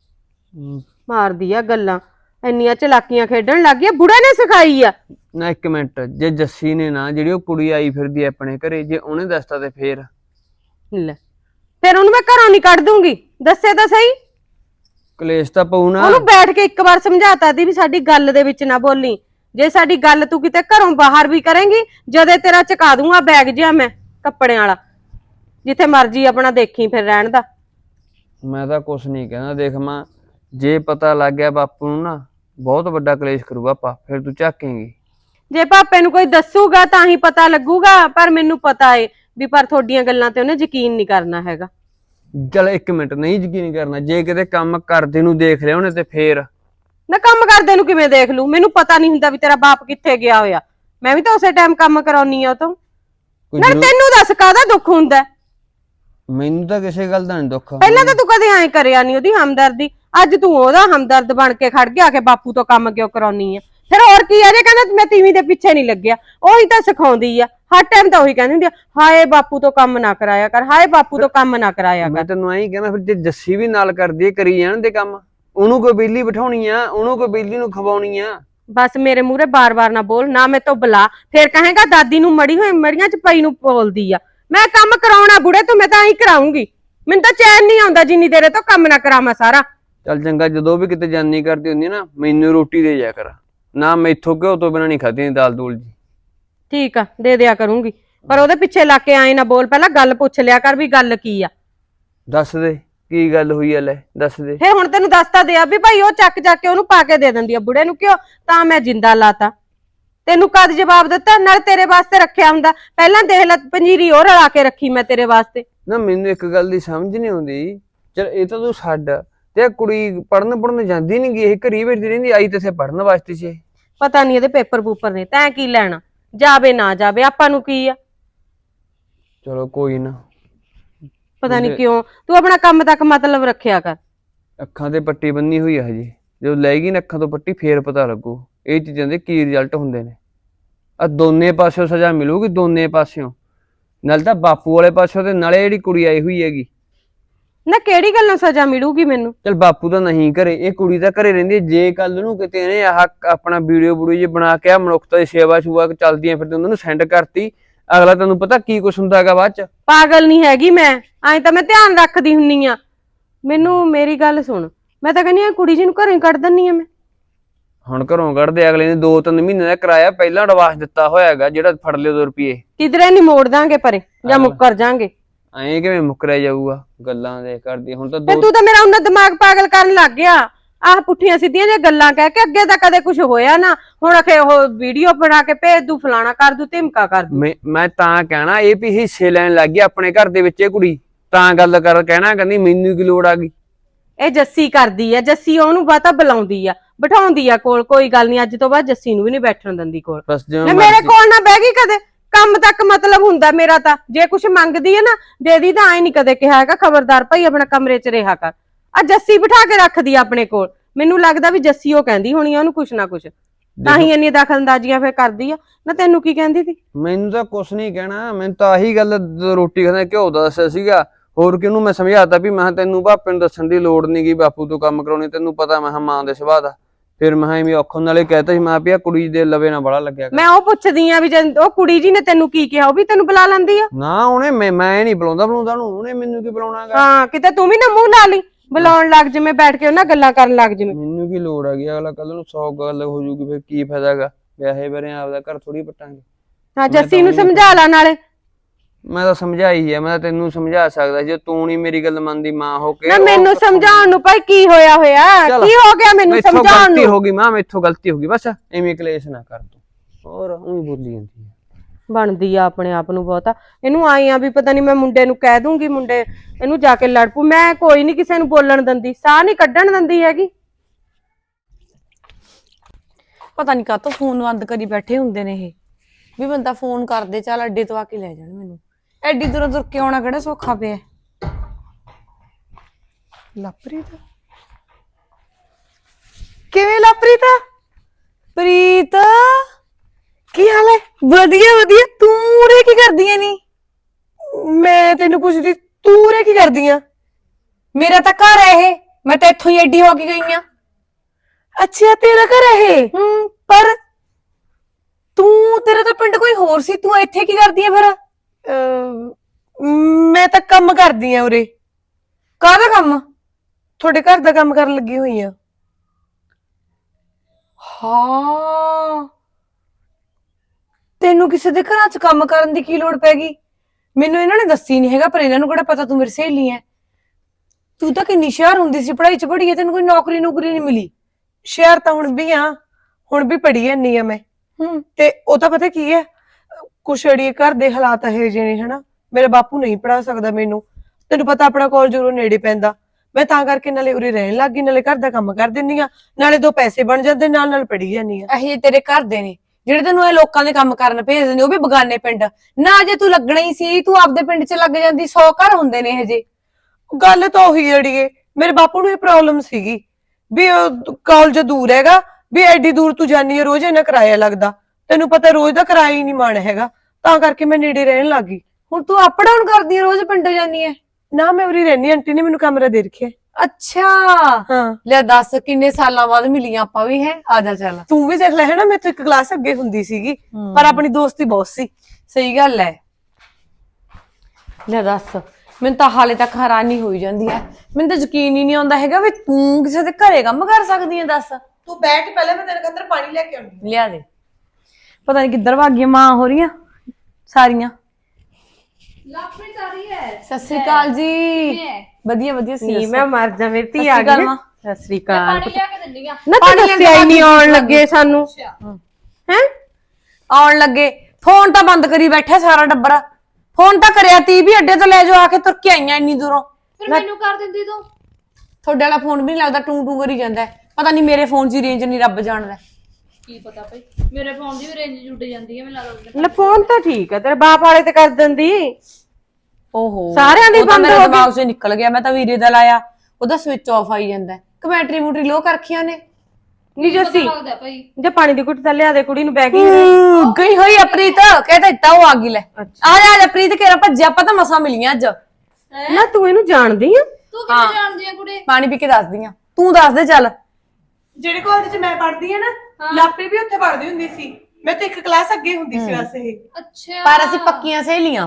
Speaker 1: ਮਾਰਦੀ ਆ ਗੱਲਾਂ, ਇੰਨੀਆਂ ਚਲਾਕੀਆਂ ਖੇਡਣ ਲੱਗ ਗਿਆ। ਬੁੜੇ ਨੇ ਸਿਖਾਈ ਆ।
Speaker 6: ਨਾ ਇੱਕ ਮਿੰਟ, ਜੇ ਜੱਸੀ ਨੇ ਨਾ ਜਿਹੜੀ ਉਹ ਕੁੜੀ ਆਈ ਫਿਰਦੀ ਆਪਣੇ ਘਰੇ, ਜੇ ਉਹਨੇ ਦੱਸਤਾ ਤੇ ਫੇਰ
Speaker 1: ਲੈ ਫਿਰ ਉਹਨੂੰ ਮੈਂ ਘਰੋਂ ਨਹੀਂ ਕੱਢ ਦੂੰਗੀ, ਦੱਸੇ ਤਾਂ ਸਹੀ।
Speaker 6: ਕਲੇਸ਼ ਤਾਂ ਪਊ ਨਾ।
Speaker 1: ਉਹਨੂੰ ਬੈਠ ਕੇ ਇੱਕ ਵਾਰ ਸਮਝਾਤਾ ਦੀ ਵੀ ਸਾਡੀ ਗੱਲ ਦੇ ਵਿੱਚ ਨਾ ਬੋਲੀ। ਜੇ ਸਾਡੀ ਗੱਲ ਤੂੰ ਕਿਤੇ ਘਰੋਂ ਬਾਹਰ ਵੀ ਕਰੇਂਗੀ, ਜਦੇ ਤੇਰਾ ਚਕਾ ਦੂੰਗਾ ਬੈਗ ਜਿਹਾ ਮੈਂ ਕੱਪੜਿਆਂ ਵਾਲਾ, ਜਿੱਥੇ ਮਰਜੀ ਆਪਣਾ ਦੇਖੀ ਫਿਰ ਰਹਿਣ ਦਾ।
Speaker 6: ਮੈਂ ਤਾਂ ਕੁਛ ਨਹੀਂ ਕਹਿੰਦਾ। ਦੇਖ ਮਾਂ, ਜੇ ਪਤਾ ਲੱਗ ਗਿਆ ਬਾਪੂ ਨੂੰ ਨਾ, ਬਹੁਤ ਵੱਡਾ ਕਲੇਸ਼ ਕਰੂ ਪਾਪਾ, ਫਿਰ ਤੂੰ ਝਾਕੇਂਗੀ।
Speaker 1: ਜੇ ਪਾਪੇ ਨੂੰ ਕੋਈ ਦੱਸੂਗਾ ਤਾਂ ਹੀ ਪਤਾ ਲੱਗੂਗਾ, ਪਰ ਮੈਨੂੰ ਪਤਾ ਏ ਵੀ ਪਰ ਤੁਹਾਡੀਆਂ ਗੱਲਾਂ ਤੇ ਉਹਨੇ ਯਕੀਨ ਨਹੀਂ ਕਰਨਾ ਹੈਗਾ।
Speaker 6: ਚੱਲ ਇੱਕ ਮਿੰਟ, ਨਹੀਂ ਯਕੀਨ ਕਰਨਾ, ਜੇ ਕਿਤੇ ਕੰਮ ਕਰਦੇ ਨੂੰ ਦੇਖ ਲਿਆ ਉਹਨੇ ਤੇ ਫੇਰ
Speaker 1: ਨਾ ਕੰਮ ਕਰਦੇ ਨੂੰ ਕਿਵੇਂ ਦੇਖ ਲੂ? ਮੈਨੂੰ ਪਤਾ ਨਹੀਂ ਹੁੰਦਾ ਵੀ ਤੇਰਾ ਬਾਪ ਕਿੱਥੇ ਗਿਆ ਹੋਇਆ। ਮੈਂ ਵੀ ਤਾਂ ਉਸੇ ਟਾਈਮ ਕੰਮ ਕਰਾਉਣੀ ਆ ਉਹ ਤੋਂ। ਨਾ ਤੈਨੂੰ ਦੱਸ ਕਾਹਦਾ ਦੁੱਖ ਹੁੰਦਾ?
Speaker 6: ਮੈਨੂੰ ਤਾਂ ਕਿਸੇ ਗੱਲ ਦਾ ਨਹੀਂ ਦੁੱਖ।
Speaker 1: ਪਹਿਲਾਂ ਤਾਂ ਤੂੰ ਕਦੇ ਐਂ ਕਰਿਆ ਨਹੀਂ ਉਹਦੀ ਹਮਦਰਦੀ, ਅੱਜ ਤੂੰ ਉਹਦਾ ਹਮਦਰਦ ਬਣ ਕੇ ਖੜ ਗਿਆ ਕਿ ਬਾਪੂ ਤੋਂ ਕੰਮ ਕਿਉਂ ਕਰਾਉਣੀ ਆ। ਫਿਰ ਹੋਰ ਕੀ ਆ? ਜੇ ਕਹਿੰਦਾ ਮੈਂ ਤੀਵੀਂ ਦੇ ਪਿੱਛੇ ਨਹੀਂ ਲੱਗਿਆ, ਉਹੀ ਤਾਂ ਸਿਖਾਉਂਦੀ ਆ ਹਰ ਟਾਈਮ। ਤਾਂ ਉਹੀ ਕਹਿੰਦੀ ਹੁੰਦੀ ਆ, ਹਾਏ ਬਾਪੂ ਤੋਂ ਕੰਮ ਨਾ ਕਰਾਇਆ ਕਰ, ਹਾਏ ਬਾਪੂ ਤੋਂ ਕੰਮ ਨਾ ਕਰਾਇਆ
Speaker 6: ਮੈਂ
Speaker 1: ਕਰ।
Speaker 6: ਤੈਨੂੰ ਐਂ ਕਹਿੰਦਾ, ਫਿਰ ਜੇ ਜੱਸੀ ਵੀ ਨਾਲ ਕਰਦੀ ਹੈ, ਕਰੀ ਜਾਣ ਦੇ ਕੰਮ। ਉਹਨੂੰ ਕੋਈ ਬਿਜਲੀ ਬਿਠਾਉਣੀ ਆ, ਉਹਨੂੰ ਕੋਈ ਬਿਜਲੀ ਨੂੰ ਖਵਾਉਣੀ ਆ।
Speaker 1: ਬਸ ਮੇਰੇ ਮੂਹਰੇ ਬਾਰ-ਬਾਰ ਨਾ ਬੋਲ, ਨਾ ਮੈਂ ਤੋਂ ਬੁਲਾ, ਫੇਰ ਕਹੇਗਾ ਦਾਦੀ ਨੂੰ ਮੜੀ ਹੋਈ ਮੜੀਆਂ ਚ ਪਈ ਨੂੰ ਬੋਲਦੀ ਆ। ਮੈਂ ਕੰਮ ਕਰਾਉਣਾ ਬੁੜੇ ਤੋਂ, ਮੈਂ ਤਾਂ ਹੀ ਕਰਾਉਂਗੀ। ਮੈਨੂੰ ਤਾਂ ਚੈਨ ਨਹੀਂ ਆਉਂਦਾ ਜਿੰਨੀ ਦੇਰੇ ਤੋਂ ਕੰਮ ਨਾ ਕਰਾਵਾਂ ਸਾਰਾ।
Speaker 6: ਚੱਲ ਚੰਗਾ, ਜਦੋਂ ਵੀ ਕਿਤੇ ਜਾਨੀ ਕਰਦੀ ਹੁੰਦੀ ਨਾ ਮੈਨੂੰ ਰੋਟੀ ਦੇ ਜਾ ਕਰ, ਨਾ ਮੈਥੋਂ ਘਿਓ ਤੋਂ ਬਿਨਾਂ ਨਹੀਂ ਖਾਦੀ ਦਾਲ ਦੂਲ ਜੀ।
Speaker 1: ਠੀਕ ਆ, ਦੇ ਦਿਆ ਕਰੂੰਗੀ, ਪਰ ਉਹਦੇ ਪਿੱਛੇ ਲੱਗ ਕੇ ਆਏ ਨਾ ਬੋਲ, ਪਹਿਲਾਂ ਗੱਲ ਪੁੱਛ ਲਿਆ ਕਰ ਵੀ ਗੱਲ ਕੀ ਆ।
Speaker 6: ਦੱਸ ਦੇ ਕੀ ਗੱਲ ਹੋਈ ਆ, ਲੈ ਦੱਸ ਦੇ।
Speaker 1: ਫੇ ਹੁਣ ਤੈਨੂੰ ਦੱਸਤਾ ਦਿਆ ਵੀ ਭਾਈ ਉਹ ਚੱਕ ਕੇ ਉਹਨੂੰ ਪਾ ਕੇ ਦੇ ਦਿੰਦੀ ਆ ਬੁੜੇ ਨੂੰ, ਕਿਉਂ ਤਾਂ ਮੈਂ ਜਿੰਦਾ ਲਾਤਾ। ਤੈਨੂੰ ਕਦ ਜਵਾਬ ਦਿੱਤਾ? ਨਾਲ ਤੇਰੇ ਵਾਸਤੇ ਰੱਖਿਆ ਹੁੰਦਾ, ਪਹਿਲਾਂ ਦੇਖ ਲੈ ਪੰਜੀਰੀ ਉਹ ਰਲਾ ਕੇ ਰੱਖੀ ਮੈਂ ਤੇਰੇ ਵਾਸਤੇ।
Speaker 6: ਨਾ ਮੈਨੂੰ ਇੱਕ ਗੱਲ ਦੀ ਸਮਝ ਨਹੀਂ ਆਉਂਦੀ, ਚਲ ਇਹ ਤਾਂ ਤੂੰ ਛੱਡ, ਤੇ ਕੁੜੀ ਪੜਨ ਜਾਂਦੀ ਨੀ ਗੀ, ਇਹ ਘਰੀ ਬੈਠਦੀ ਰਹਿੰਦੀ, ਆਈ ਤੇ ਇੱਥੇ ਪੜਨ ਵਾਸਤੇ ਸੀ।
Speaker 1: ਪਤਾ ਨਹੀਂ ਇਹਦੇ ਪੇਪਰ ਪੂਪਰ ਨੇ, ਤੈਂ ਕੀ ਲੈਣਾ, ਜਾਵੇ ਨਾ ਜਾਵੇ ਆਪਾਂ ਨੂੰ ਕੀ ਆ।
Speaker 6: ਚਲੋ ਕੋਈ ਨਾ,
Speaker 1: ਪਤਾ ਨਹੀਂ ਕਿਉਂ ਤੂੰ ਆਪਣਾ ਕੰਮ ਤੱਕ ਮਤਲਬ ਰੱਖਿਆ ਕਰ।
Speaker 6: ਅੱਖਾਂ ਤੇ ਪੱਟੀ ਬੰਨੀ ਹੋਈ ਆ ਹਜੇ, ਜਦੋਂ ਲੈ ਗਈ ਨਾ ਅੱਖਾਂ ਤੋਂ ਪੱਟੀ ਫੇਰ ਪਤਾ ਲੱਗੂ ਇਹ ਚੀਜ਼ਾਂ ਦੇ ਕੀ ਰਿਜ਼ਲਟ ਹੁੰਦੇ ਨੇ। ਆ ਦੋਨੇ ਪਾਸਿਓਂ ਸਜ਼ਾ ਮਿਲੂਗੀ, ਦੋਨੇ ਪਾਸਿਓਂ, ਨਾਲ ਤਾਂ ਬਾਪੂ ਵਾਲੇ ਪਾਸਿਓਂ ਤੇ ਨਾਲੇ ਜਿਹੜੀ ਕੁੜੀ ਆਈ ਹੋਈ ਹੈਗੀ।
Speaker 1: ਨਾ ਕਿਹੜੀ ਗੱਲੋਂ ਸਜ਼ਾ ਮਿਲੂਗੀ ਮੈਨੂੰ?
Speaker 6: ਚਲ ਬਾਪੂ ਤਾਂ ਨਹੀਂ ਘਰੇ, ਇਹ ਕੁੜੀ ਤਾਂ ਘਰੇ ਰਹਿੰਦੀ ਹੈ। ਜੇ ਕੱਲ ਨੂੰ ਕਿਤੇ ਇਹਨੇ ਆਹ ਆਪਣਾ ਵੀਡੀਓ ਜੇ ਬਣਾ ਕੇ ਆ ਮਨੁੱਖਤਾ ਦੀ ਸੇਵਾ ਸੁਵਾ ਚੱਲਦੀਆਂ ਫਿਰਦੇ ਉਹਨਾਂ ਨੂੰ ਸੈਂਡ ਕਰਤੀ, ਅਗਲਾ ਤੈਨੂੰ ਪਤਾ ਕੀ ਕੁਛ ਹੁੰਦਾ ਹੈਗਾ ਬਾਅਦ ਚ।
Speaker 1: ਪਾਗਲ ਨਹੀਂ ਹੈਗੀ ਮੈਂ, ਐਂ ਤਾਂ ਮੈਂ ਧਿਆਨ ਰੱਖਦੀ ਹੁੰਨੀ ਆ। ਮੈਨੂੰ ਮੇਰੀ ਗੱਲ ਸੁਣ, ਮੈਂ ਤਾਂ ਕਹਿੰਦੀ ਆ ਕੁੜੀ ਜੀ ਨੂੰ ਘਰੋਂ ਹੀ ਕੱਢ ਦਿੰਨੀ ਆ ਮੈਂ।
Speaker 6: ਹੁਣ ਘਰੋਂ ਕੱਢਦੇ, ਅਗਲੇ ਨੇ 2-3 ਮਹੀਨੇ ਦਾ ਕਿਰਾਇਆ ਪਹਿਲਾਂ ਐਡਵਾਂਸ ਦਿੱਤਾ ਹੋਇਆ ਹੈਗਾ, ਜਿਹੜਾ ਫੜ ਲਿਓ 2 ਰੁਪਏ।
Speaker 1: ਕਿਧਰੇ ਨਹੀਂ ਮੋੜ ਦਾਂਗੇ ਪਰੇ, ਜਾਂ ਮੁੱਕਰ ਜਾਾਂਗੇ।
Speaker 6: ਐਂ ਕਿਵੇਂ ਮੁੱਕਰਿਆ ਜਾਊਗਾ, ਗੱਲਾਂ ਦੇ ਕਰਦੀ ਹੁਣ ਤਾਂ
Speaker 1: ਤੇ ਤੂੰ ਤਾਂ ਮੇਰਾ ਉਹਨਾਂ ਦਿਮਾਗ ਪਾਗਲ ਕਰਨ ਲੱਗ ਗਿਆ। ਆਹ ਪੁੱਠੀਆਂ ਸਿੱਧੀਆਂ ਜੇ ਗੱਲਾਂ ਕਹਿ ਕੇ, ਅੱਗੇ ਤਾਂ ਕਦੇ ਕੁਝ ਹੋਇਆ ਨਾ, ਹੁਣ ਅਖੇ ਉਹ ਵੀਡੀਓ ਬਣਾ ਕੇ ਭੇਜ ਦੂ, ਫਲਾਣਾ ਕਰ ਦੂ, ਧਮਕਾ ਕਰ ਦੂ।
Speaker 6: ਮੈਂ ਤਾਂ ਕਹਿਣਾ ਇਹ ਵੀ ਹਿੱਸੇ ਲੈਣ ਲੱਗ ਗਈ ਆਪਣੇ ਘਰ ਦੇ ਵਿੱਚ ਇਹ ਕੁੜੀ, ਤਾਂ ਗੱਲ ਕਰ ਕਹਿਣਾ ਕਹਿੰਦੀ ਮੈਨੂੰ ਕੀ ਲੋੜ ਆ ਗਈ।
Speaker 1: ਇਹ ਜੱਸੀ ਕਰਦੀ ਆ, ਜੱਸੀ ਉਹਨੂੰ ਪਤਾ ਬੁਲਾਉਂਦੀ ਆ, ਬਿਠਾਉਂਦੀ ਆ ਕੋਲ। ਕੋਈ ਗੱਲ ਨਹੀਂ, ਅੱਜ ਤੋਂ ਬਾਅਦ ਜੱਸੀ ਨੂੰ ਵੀ ਨਹੀਂ ਬੈਠਣ ਦਿੰਦੀ ਕੋਲ।
Speaker 6: ਬਸ
Speaker 1: ਨਾ ਮੇਰੇ ਕੋਲ ਨਾ ਬਹਿ ਗਈ ਕਦੇ, ਕੰਮ ਤੱਕ ਮਤਲਬ ਹੁੰਦਾ ਮੇਰਾ ਤਾਂ। ਜੇ ਕੁਛ ਮੰਗਦੀ ਹੈ ਨਾ ਦੇ ਦੀ, ਤਾਂ ਐ ਨਹੀਂ ਕਦੇ ਕਿਹਾ ਹੈਗਾ ਖਬਰਦਾਰ ਭਾਈ ਆਪਣਾ ਕਮਰੇ 'ਚ ਰਿਹਾ ਕਰ। ਆ ਜੱਸੀ ਬਿਠਾ ਕੇ ਰੱਖਦੀ ਆ ਆਪਣੇ ਕੋਲ, ਮੈਨੂੰ ਲੱਗਦਾ ਵੀ ਜੱਸੀ ਉਹ ਕਹਿੰਦੀ ਹੋਣੀ ਆ ਉਹਨੂੰ ਕੁਛ ਨਾ ਕੁਛ, ਤਾਂ ਹੀ ਇੰਨੀ ਦਖਲਅੰਦਾਜ਼ੀਆਂ ਫੇਰ ਕਰਦੀ ਆ। ਨਾ ਤੈਨੂੰ ਕੀ ਕਹਿੰਦੀ ਸੀ?
Speaker 6: ਮੈਨੂੰ ਤਾਂ ਕੁਛ ਨਹੀਂ ਕਹਿਣਾ, ਮੈਨੂੰ ਤਾਂ ਆਹੀ ਗੱਲ ਰੋਟੀ ਖਾਂਦੇ ਘਿਓ ਦਾ ਦੱਸਿਆ ਸੀਗਾ, ਹੋਰ ਕਿਹਨੂੰ ਮੈਂ ਸਮਝਾਤਾ ਵੀ ਮੈਂ ਤੈਨੂੰ ਭਾਪੇ ਨੂੰ ਦੱਸਣ ਦੀ ਲੋੜ ਨੀ ਗੀ, ਬਾਪੂ ਤੋਂ ਕੰਮ ਕਰਾਉਣੀ, ਤੈਨੂੰ ਪਤਾ ਮੈਂ ਮਾਂ ਦੇ ਸੁਭਾਅ ਦਾ। ਫਿਰ ਮੈਂ ਐਵੇਂ ਔਖਣ ਨਾਲੇ ਕਹਿਤਾ ਸੀ, ਮੈਂ ਪਿਆ ਕੁੜੀ ਦੇ ਲਵੇ ਨਾ ਬੜਾ ਲੱਗਿਆ।
Speaker 1: ਮੈਂ ਉਹ ਪੁੱਛਦੀ ਆ ਵੀ ਉਹ ਕੁੜੀ ਜੀ ਨੇ ਤੈਨੂੰ ਕੀ ਕਿਹਾ, ਉਹ ਵੀ ਤੈਨੂੰ ਬੁਲਾ ਲੈਂਦੀ ਆ?
Speaker 6: ਨਾ ਉਹਨੇ ਮੈਂ ਨਹੀਂ ਬੁਲਾਉਂਦਾ ਉਹਨੂੰ, ਉਹਨੇ ਮੈਨੂੰ ਕੀ ਬੁਲਾਉਣਾਗਾ।
Speaker 1: ਹਾਂ ਕਿਤੇ ਤੂੰ ਵੀ ਨਾ ਮੂੰਹ ਲਾ ਲਈ, ਬੁਲਾਉਣ ਲੱਗ ਜਿਵੇਂ, ਬੈਠ ਕੇ ਉਹਨਾਂ ਗੱਲਾਂ ਕਰਨ ਲੱਗ ਜਿਵੇਂ।
Speaker 6: ਮੈਨੂੰ ਕੀ ਲੋੜ ਹੈਗੀ, ਅਗਲਾ ਕੱਲ ਨੂੰ 100 ਗੱਲ ਹੋ ਜੂਗੀ, ਫਿਰ ਕੀ ਫਾਇਦਾ ਹੈਗਾ ਵਿਆਹੇ ਬਰੇ ਆਪਦਾ ਘਰ ਥੋੜੀ ਪਟਾਂਗੇ।
Speaker 1: ਹਾਂ ਜੱਸੀ ਨੂੰ ਸਮਝਾ ਲਾ ਨਾਲੇ।
Speaker 6: ਮੈਂ ਤਾਂ ਸਮਝਾਈ ਹੈ, ਮੈਂ ਤਾਂ ਤੈਨੂੰ ਸਮਝਾ ਸਕਦਾ ਜੇ ਤੂੰ ਨਹੀਂ ਮੇਰੀ ਗੱਲ ਮੰਨਦੀ ਮਾਂ ਹੋ ਕੇ।
Speaker 1: ਨਾ ਮੈਨੂੰ ਸਮਝਾਉਣ ਨੂੰ ਭਾਈ ਕੀ ਹੋਇਆ ਕੀ ਹੋ ਗਿਆ ਮੈਨੂੰ ਸਮਝਾਉਣ
Speaker 6: ਗਲਤੀ
Speaker 1: ਨੂੰ?
Speaker 6: ਹੋ ਗਈ ਮਾਂ, ਮੈਥੋਂ ਗਲਤੀ ਹੋ ਗਈ, ਬਸ ਐਵੇਂ ਕਲੇਸ਼ ਨਾ ਕਰ ਤੂੰ, ਹੋਰ ਉਹੀ ਬੋਲੀ ਜਾਂਦੀ ਹੈ।
Speaker 1: ਬਣਦੀ ਆ ਆਪਣੇ ਆਪ ਨੂੰ ਬਹੁਤਾ, ਇਹਨੂੰ ਆਈ ਆ ਵੀ ਪਤਾ ਨਹੀਂ ਮੈਂ ਮੁੰਡੇ ਨੂੰ ਕਹਿ ਦੂੰਗੀ, ਮੁੰਡੇ ਇਹਨੂੰ ਜਾ ਕੇ ਲੜ ਪੂ। ਮੈਂ ਕੋਈ ਨਹੀਂ ਕਿਸੇ ਨੂੰ ਬੋਲਣ ਦਿੰਦੀ, ਸਾਹ ਨਹੀਂ ਕੱਢਣ ਦਿੰਦੀ ਹੈਗੀ।
Speaker 7: ਪਤਾ ਨਹੀਂ ਕਾਹਤੋਂ ਫੋਨ ਬੰਦ ਕਰੀ ਬੈਠੇ ਹੁੰਦੇ ਨੇ ਇਹ, ਵੀ ਬੰਦਾ ਫੋਨ ਕਰਦੇ ਚੱਲ ਅੱਡੇ ਤੋਂ ਆ ਕੇ ਲੈ ਜਾਣ ਮੈਨੂੰ, ਐਡੀ ਦੂਰੋਂ ਤੁਰ ਕੇ ਆਉਣਾ ਕਿਹੜਾ ਸੌਖਾ ਪਿਆ। ਲਵਪ੍ਰੀਤ ਕਿਵੇਂ? ਲਵਪ੍ਰੀਤ ਪ੍ਰੀਤ ਕੀ ਹਾਲ ਹੈ? ਵਧੀਆ ਵਧੀਆ, ਤੂੰ ਉਰੇ ਕੀ ਕਰਦੀ ਐ? ਨੀ
Speaker 3: ਮੈਂ ਤੈਨੂੰ ਪੁੱਛਦੀ, ਤੂੰ ਉਰੇ ਕੀ ਕਰਦੀ ਆ?
Speaker 7: ਮੇਰਾ ਤਾਂ ਘਰ ਹੈ ਇਹ, ਮੈਂ ਤਾਂ ਇੱਥੋਂ ਹੀ ਐਡੀ ਹੋ ਕੇ ਗਈ ਆ।
Speaker 3: ਅੱਛਾ ਤੇਰਾ ਘਰ ਹੈ ਇਹ?
Speaker 7: ਪਰ ਤੇਰਾ ਤਾਂ ਪਿੰਡ ਕੋਈ ਹੋਰ ਸੀ, ਤੂੰ ਇੱਥੇ ਕੀ ਕਰਦੀ ਆ ਫਿਰ?
Speaker 3: ਮੈਂ ਤਾਂ ਕੰਮ ਕਰਦੀ ਆ ਉਰੇ।
Speaker 7: ਕਾਹਦਾ ਕੰਮ?
Speaker 3: ਤੁਹਾਡੇ ਘਰ ਦਾ ਕੰਮ ਕਰਨ ਲੱਗੀ ਹੋਈ ਆ।
Speaker 7: ਹਾਂ ਤੈਨੂੰ ਕਿਸੇ ਦੇ ਘਰਾਂ 'ਚ ਕੰਮ ਕਰਨ ਦੀ ਕੀ ਲੋੜ ਪੈ ਗਈ? ਮੈਨੂੰ ਇਹਨਾਂ ਨੇ ਦੱਸੀ ਨਹੀਂ ਹੈਗਾ, ਪਰ ਇਹਨਾਂ ਨੂੰ ਕਿਹੜਾ ਪਤਾ ਤੂੰ ਮੇਰੀ ਸਹੇਲੀ ਐ। ਤੂੰ ਤਾਂ ਕਿੰਨੀ ਹੁਸ਼ਿਆਰ ਹੁੰਦੀ ਸੀ, ਪੜ੍ਹਾਈ 'ਚ ਪੜ੍ਹੀ ਐ, ਤੈਨੂੰ ਕੋਈ ਨੌਕਰੀ ਨਹੀਂ ਮਿਲੀ।
Speaker 3: ਸ਼ਹਿਰ ਤਾਂ ਹੁਣ ਵੀ ਆ, ਹੁਣ ਵੀ ਪੜ੍ਹੀ ਜਾਂਦੀ ਆ ਮੈਂ। ਤੇ ਉਹ ਤਾਂ ਪਤਾ ਕੀ ਹੈ, ਕੁਛ ਅੜੀਏ ਘਰ ਦੇ ਹਾਲਾਤ ਇਹੋ ਜਿਹੇ ਨੇ ਹਨਾ, ਮੇਰਾ ਬਾਪੂ ਨਹੀਂ ਪੜ੍ਹਾ ਸਕਦਾ ਮੈਨੂੰ, ਤੈਨੂੰ ਪਤਾ ਆਪਣਾ ਕਾਲਜ ਉਰੋਂ ਨੇੜੇ ਪੈਂਦਾ, ਮੈਂ ਤਾਂ ਕਰਕੇ ਨਾਲੇ ਉਰੇ ਰਹਿਣ ਲੱਗ ਗਈ, ਨਾਲੇ ਘਰ ਦਾ ਕੰਮ ਕਰ ਦਿੰਦੀ ਆ, ਨਾਲੇ 2 ਪੈਸੇ ਬਣ ਜਾਂਦੇ, ਨਾਲ ਪੜ੍ਹੀ ਜਾਂਦੀ ਆ।
Speaker 7: ਇਹ ਤੇਰੇ ਘਰ ਦੇ ਨੇ ਜਿਹੜੇ ਤੈਨੂੰ ਇਹ ਲੋਕਾਂ ਦੇ ਕੰਮ ਕਰਨ ਭੇਜਦੇ ਨੇ, ਉਹ ਵੀ ਬਗਾਨੇ ਪਿੰਡ। ਨਾ ਜੇ ਤੂੰ ਲੱਗਣਾ ਹੀ ਸੀ, ਤੂੰ ਆਪਦੇ ਪਿੰਡ 'ਚ ਲੱਗ ਜਾਂਦੀ, 100 ਘਰ ਹੁੰਦੇ ਨੇ ਹਜੇ।
Speaker 3: ਗੱਲ ਤਾਂ ਉਹੀ ਅੜੀਏ, ਮੇਰੇ ਬਾਪੂ ਨੂੰ ਇਹ ਪ੍ਰੋਬਲਮ ਸੀਗੀ ਵੀ ਕਾਲਜ ਦੂਰ ਹੈਗਾ, ਵੀ ਐਡੀ ਦੂਰ ਤੂੰ ਜਾਨੀ ਹੈ, ਰੋਜ਼ ਇਹਨਾਂ ਕਿਰਾਇਆ ਲੱਗਦਾ, ਤੈਨੂੰ ਪਤਾ ਰੋਜ਼ ਦਾ ਕਿਰਾਇਆ ਹੀ ਨਹੀਂ ਮਾਣ ਹੈਗਾ, ਤਾਂ ਕਰਕੇ ਮੈਂ ਨੇੜੇ ਰਹਿਣ ਲੱਗ ਗਈ।
Speaker 7: ਹੁਣ ਤੂੰ ਅਪ ਡਾਊਨ ਕਰਦੀ ਹੈ, ਰੋਜ਼ ਪਿੰਡੋਂ ਜਾਨੀ ਹੈ?
Speaker 3: ਨਾ ਮੈਂ ਉਰੀ ਰਹਿਣੀ, ਆਂਟੀ ਨੇ ਮੈਨੂੰ ਕਮਰਾ ਦੇ ਰੱਖਿਆ।
Speaker 7: ਅੱਛਾ
Speaker 3: ਹਾਂ
Speaker 7: ਲੈ ਦੱਸ ਕਿੰਨੇ ਸਾਲਾਂ ਬਾਅਦ ਮਿਲੀਆਂ ਆਪਾਂ ਵੀ ਹੈ ਆ ਜਾ ਚੱਲ
Speaker 3: ਤੂੰ ਵੀ ਦੇਖ ਲੈ ਹੈ ਨਾ ਮੈਂ ਤੋਂ ਇੱਕ ਕਲਾਸ ਅੱਗੇ ਹੁੰਦੀ ਸੀਗੀ ਪਰ ਆਪਣੀ ਦੋਸਤੀ ਬਹੁਤ ਸੀ।
Speaker 7: ਸਹੀ ਗੱਲ ਹੈ। ਲੈ ਦੱਸ ਮੈਨੂੰ ਤਾਂ ਹਾਲੇ ਤੱਕ ਹੈਰਾਨੀ ਹੋਈ ਜਾਂਦੀ ਹੈ, ਮੈਨੂੰ ਤਾਂ ਯਕੀਨ ਹੀ ਨਹੀਂ ਆਉਂਦਾ ਹੈਗਾ ਵੀ ਤੂੰ ਕਿਸੇ ਦੇ ਘਰੇ ਕੰਮ ਕਰ ਸਕਦੀ ਹੈ। ਦੱਸ
Speaker 3: ਤੂੰ ਬੈਠ ਪਹਿਲਾਂ ਮੈਂ ਤੇਰੇ ਖਾਤਰ ਪਾਣੀ ਲੈ ਕੇ ਆਉਂਦੀ
Speaker 7: ਲਿਆ ਦੇ। ਪਤਾ ਨਹੀਂ ਕਿੱਧਰ ਭੱਗ ਗਈਆਂ ਮਾਂ ਹੋ ਰਹੀਆਂ ਸਾਰੀਆਂ।
Speaker 2: ਲਾਪਰੀ ਆ ਰਹੀ ਹੈ।
Speaker 7: ਸਤਿ ਸ੍ਰੀ ਅਕਾਲ ਜੀ।
Speaker 2: ਹੈ
Speaker 7: ਵਧੀਆ ਵਧੀਆ ਸੀ
Speaker 1: ਨੀ ਮੈਂ ਮਰ ਜਾ, ਮੇਰੀ ਧੀ
Speaker 7: ਸਤਿ
Speaker 1: ਆ
Speaker 7: ਸ਼੍ਰੀ ਅਕਾਲ
Speaker 1: ਗਈ
Speaker 7: ਮਾਂ।
Speaker 1: ਸਤਿ ਸ੍ਰੀ
Speaker 2: ਮੈਂ
Speaker 1: ਅਕਾਲ।
Speaker 2: ਪਾਣੀ ਲਿਆ ਕੇ ਦਿੰਦੀ ਆ।
Speaker 1: ਨਾ ਤੂੰ ਦੱਸਿਆ ਹੀ ਨਹੀਂ ਆਉਣ ਲੱਗੇ ਸਾਨੂੰ ਹੈ।
Speaker 7: ਆਉਣ ਲੱਗੇ ਫੋਨ ਤਾਂ ਬੰਦ ਕਰੀ ਬੈਠਾ ਸਾਰਾ ਟੱਬਰ। ਫੋਨ ਤਾਂ ਕਰਿਆ ਤੀ ਵੀ ਅੱਡੇ ਤੋਂ ਲੈ ਜਾਓ, ਆ ਕੇ ਤੁਰ ਕੇ ਆਈਆਂ ਇੰਨੀ ਦੂਰੋਂ।
Speaker 2: ਫਿਰ ਮੈਨੂੰ ਕਰ ਦਿੰਦੀ ਤੂੰ।
Speaker 7: ਤੁਹਾਡੇ ਵਾਲਾ ਫੋਨ ਵੀ ਨਹੀਂ ਲੱਗਦਾ, ਟੂ ਟੂ ਕਰੀ ਜਾਂਦਾ ਹੈ। ਪਤਾ ਨਹੀਂ ਮੇਰੇ ਫੋਨ 'ਚ ਰੇਂਜ ਨਹੀਂ ਰੱਬ ਜਾਣਦਾ।
Speaker 2: ਕੀ ਪਤਾ ਭਾਈ ਮੇਰੇ ਫੋਨ ਦੀ ਵੀ ਰੇਂਜ ਜੁੜ ਜਾਂਦੀ ਹੈ ਮੈਨੂੰ ਲੱਗਦਾ।
Speaker 1: ਲੈ ਫੋਨ ਤਾਂ ਠੀਕ ਆ, ਤੇਰੇ ਬਾਪ ਵਾਲੇ ਤੇ ਕਰ ਦਿੰਦੀ।
Speaker 7: ਓਹੋ
Speaker 1: ਸਾਰਿਆਂ ਦੀ
Speaker 7: ਉਹ ਤਾਂ
Speaker 1: ਬੰਦ
Speaker 7: ਮੇਰੇ
Speaker 1: ਹੋ ਗਈ।
Speaker 7: ਦਿਮਾਗ 'ਚੋਂ ਨਿਕਲ ਗਿਆ। ਮੈਂ ਤਾਂ ਵੀਰੇ ਦਾ ਲਾਇਆ, ਉਹਦਾ ਸਵਿਚ ਆਫ ਆਈ ਜਾਂਦਾ। ਕਮੈਂਟਰੀ ਮੂਟਰੀ ਲੋ ਕਰ ਰੱਖੀਆਂ ਨੇ।
Speaker 1: ਨਹੀਂ
Speaker 2: ਪਤਾ
Speaker 1: ਜੱਸੀ
Speaker 2: ਲੱਗਦਾ ਭਾਈ।
Speaker 1: ਜੇ ਪਾਣੀ ਦੀ ਘੁੱਟ ਤਾਂ ਲਿਆ ਦੇ, ਕੁੜੀ ਨੂੰ ਬੈਗ ਹੀ
Speaker 7: ਗਈ ਹੋਈ ਆ ਪ੍ਰੀਤ, ਕਹਿੰਦਾ ਇੱਤਾ ਉਹ ਆ ਗਈ। ਲੈ ਆ ਜਾ ਪ੍ਰੀਤ, ਕਿਹੜਾ ਭੱਜਿਆ, ਆਪਾਂ ਤਾਂ ਮਸਾਂ ਮਿਲੀਆਂ ਅੱਜ।
Speaker 1: ਨਾ ਤੂੰ ਇਹਨੂੰ ਜਾਣਦੀ ਆ?
Speaker 2: ਤੂੰ ਕਿਵੇਂ ਜਾਣਦੀ ਆ ਕੁੜੇ?
Speaker 7: ਪਾਣੀ ਪੀ ਕੇ ਦੱਸਦੀ ਆ, ਤੂੰ ਦੱਸ ਦੇ ਚੱਲ।
Speaker 3: ਜਿਹੜੇ ਕਾਲਜ 'ਚ ਮੈਂ ਪੜ੍ਹਦੀ ਆ ਨਾ ਲਾਪਰੀ ਵੀ ਉੱਥੇ ਪੜ੍ਹਦੀ ਹੁੰਦੀ ਸੀ। ਮੈਂ ਤਾਂ ਇੱਕ ਕਲਾਸ ਅੱਗੇ ਹੁੰਦੀ ਸੀ ਵੈਸੇ ਇਹ।
Speaker 2: ਅੱਛਾ
Speaker 7: ਪਰ ਅਸੀਂ ਪੱਕੀਆਂ ਸਹੇਲੀਆਂ।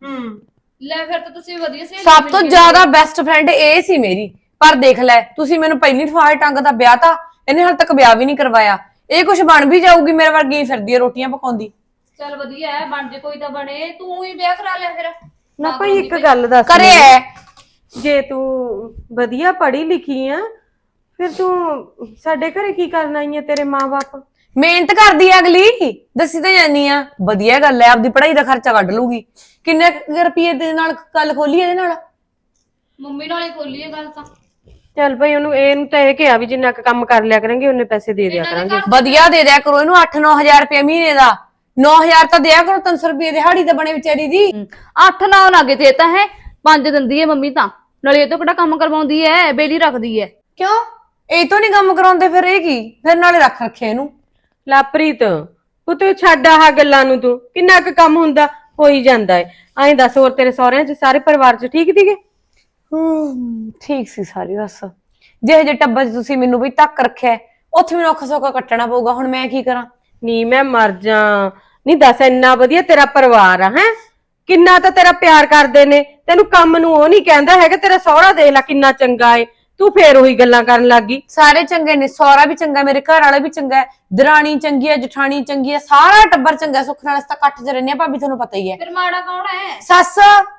Speaker 2: ਲੈ ਫਿਰ ਤਾਂ ਤੁਸੀਂ ਵਧੀਆ ਸੀ।
Speaker 7: ਸਭ ਤੋਂ ਜ਼ਿਆਦਾ ਬੈਸਟ ਫਰੈਂਡ ਇਹ ਸੀ ਮੇਰੀ। ਪਰ ਦੇਖ ਲੈ ਤੁਸੀਂ ਮੈਨੂੰ ਪਹਿਲੀ ਠਫਾੜ ਟੰਗ ਦਾ ਵਿਆਹ ਤਾਂ ਇਹਨੇ ਹਾਲੇ ਤੱਕ ਵਿਆਹ ਵੀ ਨਹੀਂ ਕਰਵਾਇਆ। ਇਹ ਕੁਝ ਬਣ ਵੀ ਜਾਊਗੀ, ਮੇਰੇ ਵਰਗੀ ਹੀ ਫਿਰਦੀ ਹੈ ਰੋਟੀਆਂ ਪਕਾਉਂਦੀ।
Speaker 2: ਚੱਲ ਵਧੀਆ ਹੈ, ਬਣ ਜੇ ਕੋਈ ਤਾਂ ਬਣੇ। ਤੂੰ ਹੀ ਵਿਆਹ ਕਰਾ ਲਿਆ ਫਿਰ।
Speaker 1: ਨਾ ਭਾਈ ਇੱਕ ਗੱਲ ਦੱਸ
Speaker 7: ਕਰੇ
Speaker 1: ਮੈਨੂੰ।
Speaker 7: ਐ
Speaker 1: ਜੇ ਤੂੰ ਵਧੀਆ ਪੜ੍ਹੀ ਲਿਖੀ ਆ ਫਿਰ ਤੂੰ ਸਾਡੇ ਘਰੇ ਕੀ ਕਰਨ ਆਈ ਆ? ਤੇਰੇ ਮਾਂ-ਬਾਪ
Speaker 7: ਮਿਹਨਤ ਕਰਦੀ ਆ ਅਗਲੀ, ਦੱਸੀ ਤਾਂ ਜਾਨੀ ਆ। ਵਧੀਆ ਗੱਲ ਐ, ਆਪਦੀ ਪੜ੍ਹਾਈ ਦਾ ਖਰਚਾ ਕੱਢ ਲੂਗੀ। ਕਿੰਨੇ ਰੁਪਏ ਦੇ ਨਾਲ ਗੱਲ ਖੋਲੀ ਇਹਦੇ ਨਾਲ?
Speaker 2: ਮੰਮੀ ਨਾਲ ਹੀ ਖੋਲੀ ਹੈ ਗੱਲ ਤਾਂ।
Speaker 1: ਚੱਲ ਭਾਈ ਇਹਨੂੰ ਤਾਂ ਇਹ ਕਿਹਾ ਵੀ ਜਿੰਨਾ ਕੁ ਕੰਮ ਕਰ ਲਿਆ ਕਰਾਂਗੇ ਉਹਨੇ ਪੈਸੇ ਦੇ ਦਿਆ ਕਰਾਂਗੇ।
Speaker 7: ਵਧੀਆ ਦੇ ਦਿਆ ਕਰੋ ਇਹਨੂੰ 8-9 ਹਜ਼ਾਰ ਰੁਪਏ ਮਹੀਨੇ ਦਾ। 9 ਹਜ਼ਾਰ ਤਾਂ ਦਿਆ ਕਰੋ, 300 ਰੁਪਏ ਦਿਹਾੜੀ ਤਾਂ ਬਣੇ ਵਿਚਾਰੀ ਦੀ।
Speaker 2: 8-9 ਲੱਗੇ ਤੇ ਤਾਂ ਹੈ 5 ਦਿੰਦੀ ਹੈ ਮੰਮੀ ਤਾਂ। ਨਾਲੇ ਇਹ ਤੋਂ ਕਿਹੜਾ ਕੰਮ ਕਰਵਾਉਂਦੀ ਹੈ, ਬੇਲੀ ਰੱਖਦੀ ਹੈ।
Speaker 7: ਕਿਉਂ ਇਹ ਤੋਂ ਨਹੀਂ ਕੰਮ ਕਰਾਉਂਦੇ ਫਿਰ ਇਹ ਕੀ? ਫਿਰ ਨਾਲੇ ਰੱਖ ਰੱਖੇ ਇਹਨੂੰ।
Speaker 1: ਲਾਪ੍ਰੀਤ ਉਹ ਤੂੰ ਛੱਡ ਆਹ ਗੱਲਾਂ ਨੂੰ, ਤੂੰ ਕਿੰਨਾ ਕੁ ਕੰਮ ਹੁੰਦਾ ਹੋ ਹੀ ਜਾਂਦਾ ਏ। ਐਂ ਦੱਸ ਹੋਰ ਤੇਰੇ ਸਹੁਰਿਆਂ 'ਚ ਸਾਰੇ ਪਰਿਵਾਰ 'ਚ ਠੀਕ ਸੀਗੇ?
Speaker 7: ਠੀਕ ਸੀ ਸਾਰੀ ਬਸ। ਜਿਹੇ ਜੇ ਟੱਬਰ 'ਚ ਤੁਸੀਂ ਮੈਨੂੰ ਵੀ ਤੱਕ ਰੱਖਿਆ, ਉੱਥੇ ਮੈਨੂੰ ਔਖਾ ਸੌਖਾ ਕੱਟਣਾ ਪਊਗਾ। ਹੁਣ ਮੈਂ ਕੀ ਕਰਾਂ?
Speaker 1: ਨੀ ਮੈਂ ਮਰ ਜਾ। ਨਹੀਂ ਦੱਸ ਇੰਨਾ ਵਧੀਆ ਤੇਰਾ ਪਰਿਵਾਰ ਆ ਹੈ, ਕਿੰਨਾ ਤਾਂ ਤੇਰਾ ਪਿਆਰ ਕਰਦੇ ਨੇ ਤੈਨੂੰ। ਕੰਮ ਨੂੰ ਉਹ ਨਹੀਂ ਕਹਿੰਦਾ ਹੈਗਾ। ਤੇਰਾ ਸਹੁਰਾ ਦੇਖ ਲੈ ਕਿੰਨਾ ਚੰਗਾ ਏ, ਤੂੰ ਫੇਰ ਉਹੀ ਗੱਲਾਂ ਕਰਨ ਲੱਗ ਗਈ।
Speaker 7: ਸਾਰੇ ਚੰਗੇ ਨੇ, ਸਹੁਰਾ ਵੀ ਚੰਗਾ, ਮੇਰੇ ਘਰ ਵਾਲਾ ਵੀ ਚੰਗਾ ਹੈ, ਦਰਾਣੀ ਚੰਗੀ ਹੈ, ਜਠਾਣੀ ਚੰਗੀ ਹੈ, ਸਾਰਾ ਟੱਬਰ ਚੰਗਾ। ਸੁੱਖ ਨਾਲ ਅਸੀਂ ਤਾਂ ਇਕੱਠ 'ਚ ਰਹਿੰਦੇ ਆ ਭਾਬੀ, ਤੁਹਾਨੂੰ ਪਤਾ ਹੀ ਹੈ।
Speaker 2: ਫਿਰ ਮਾੜਾ ਕੌਣ ਹੈ?
Speaker 7: ਸੱਸ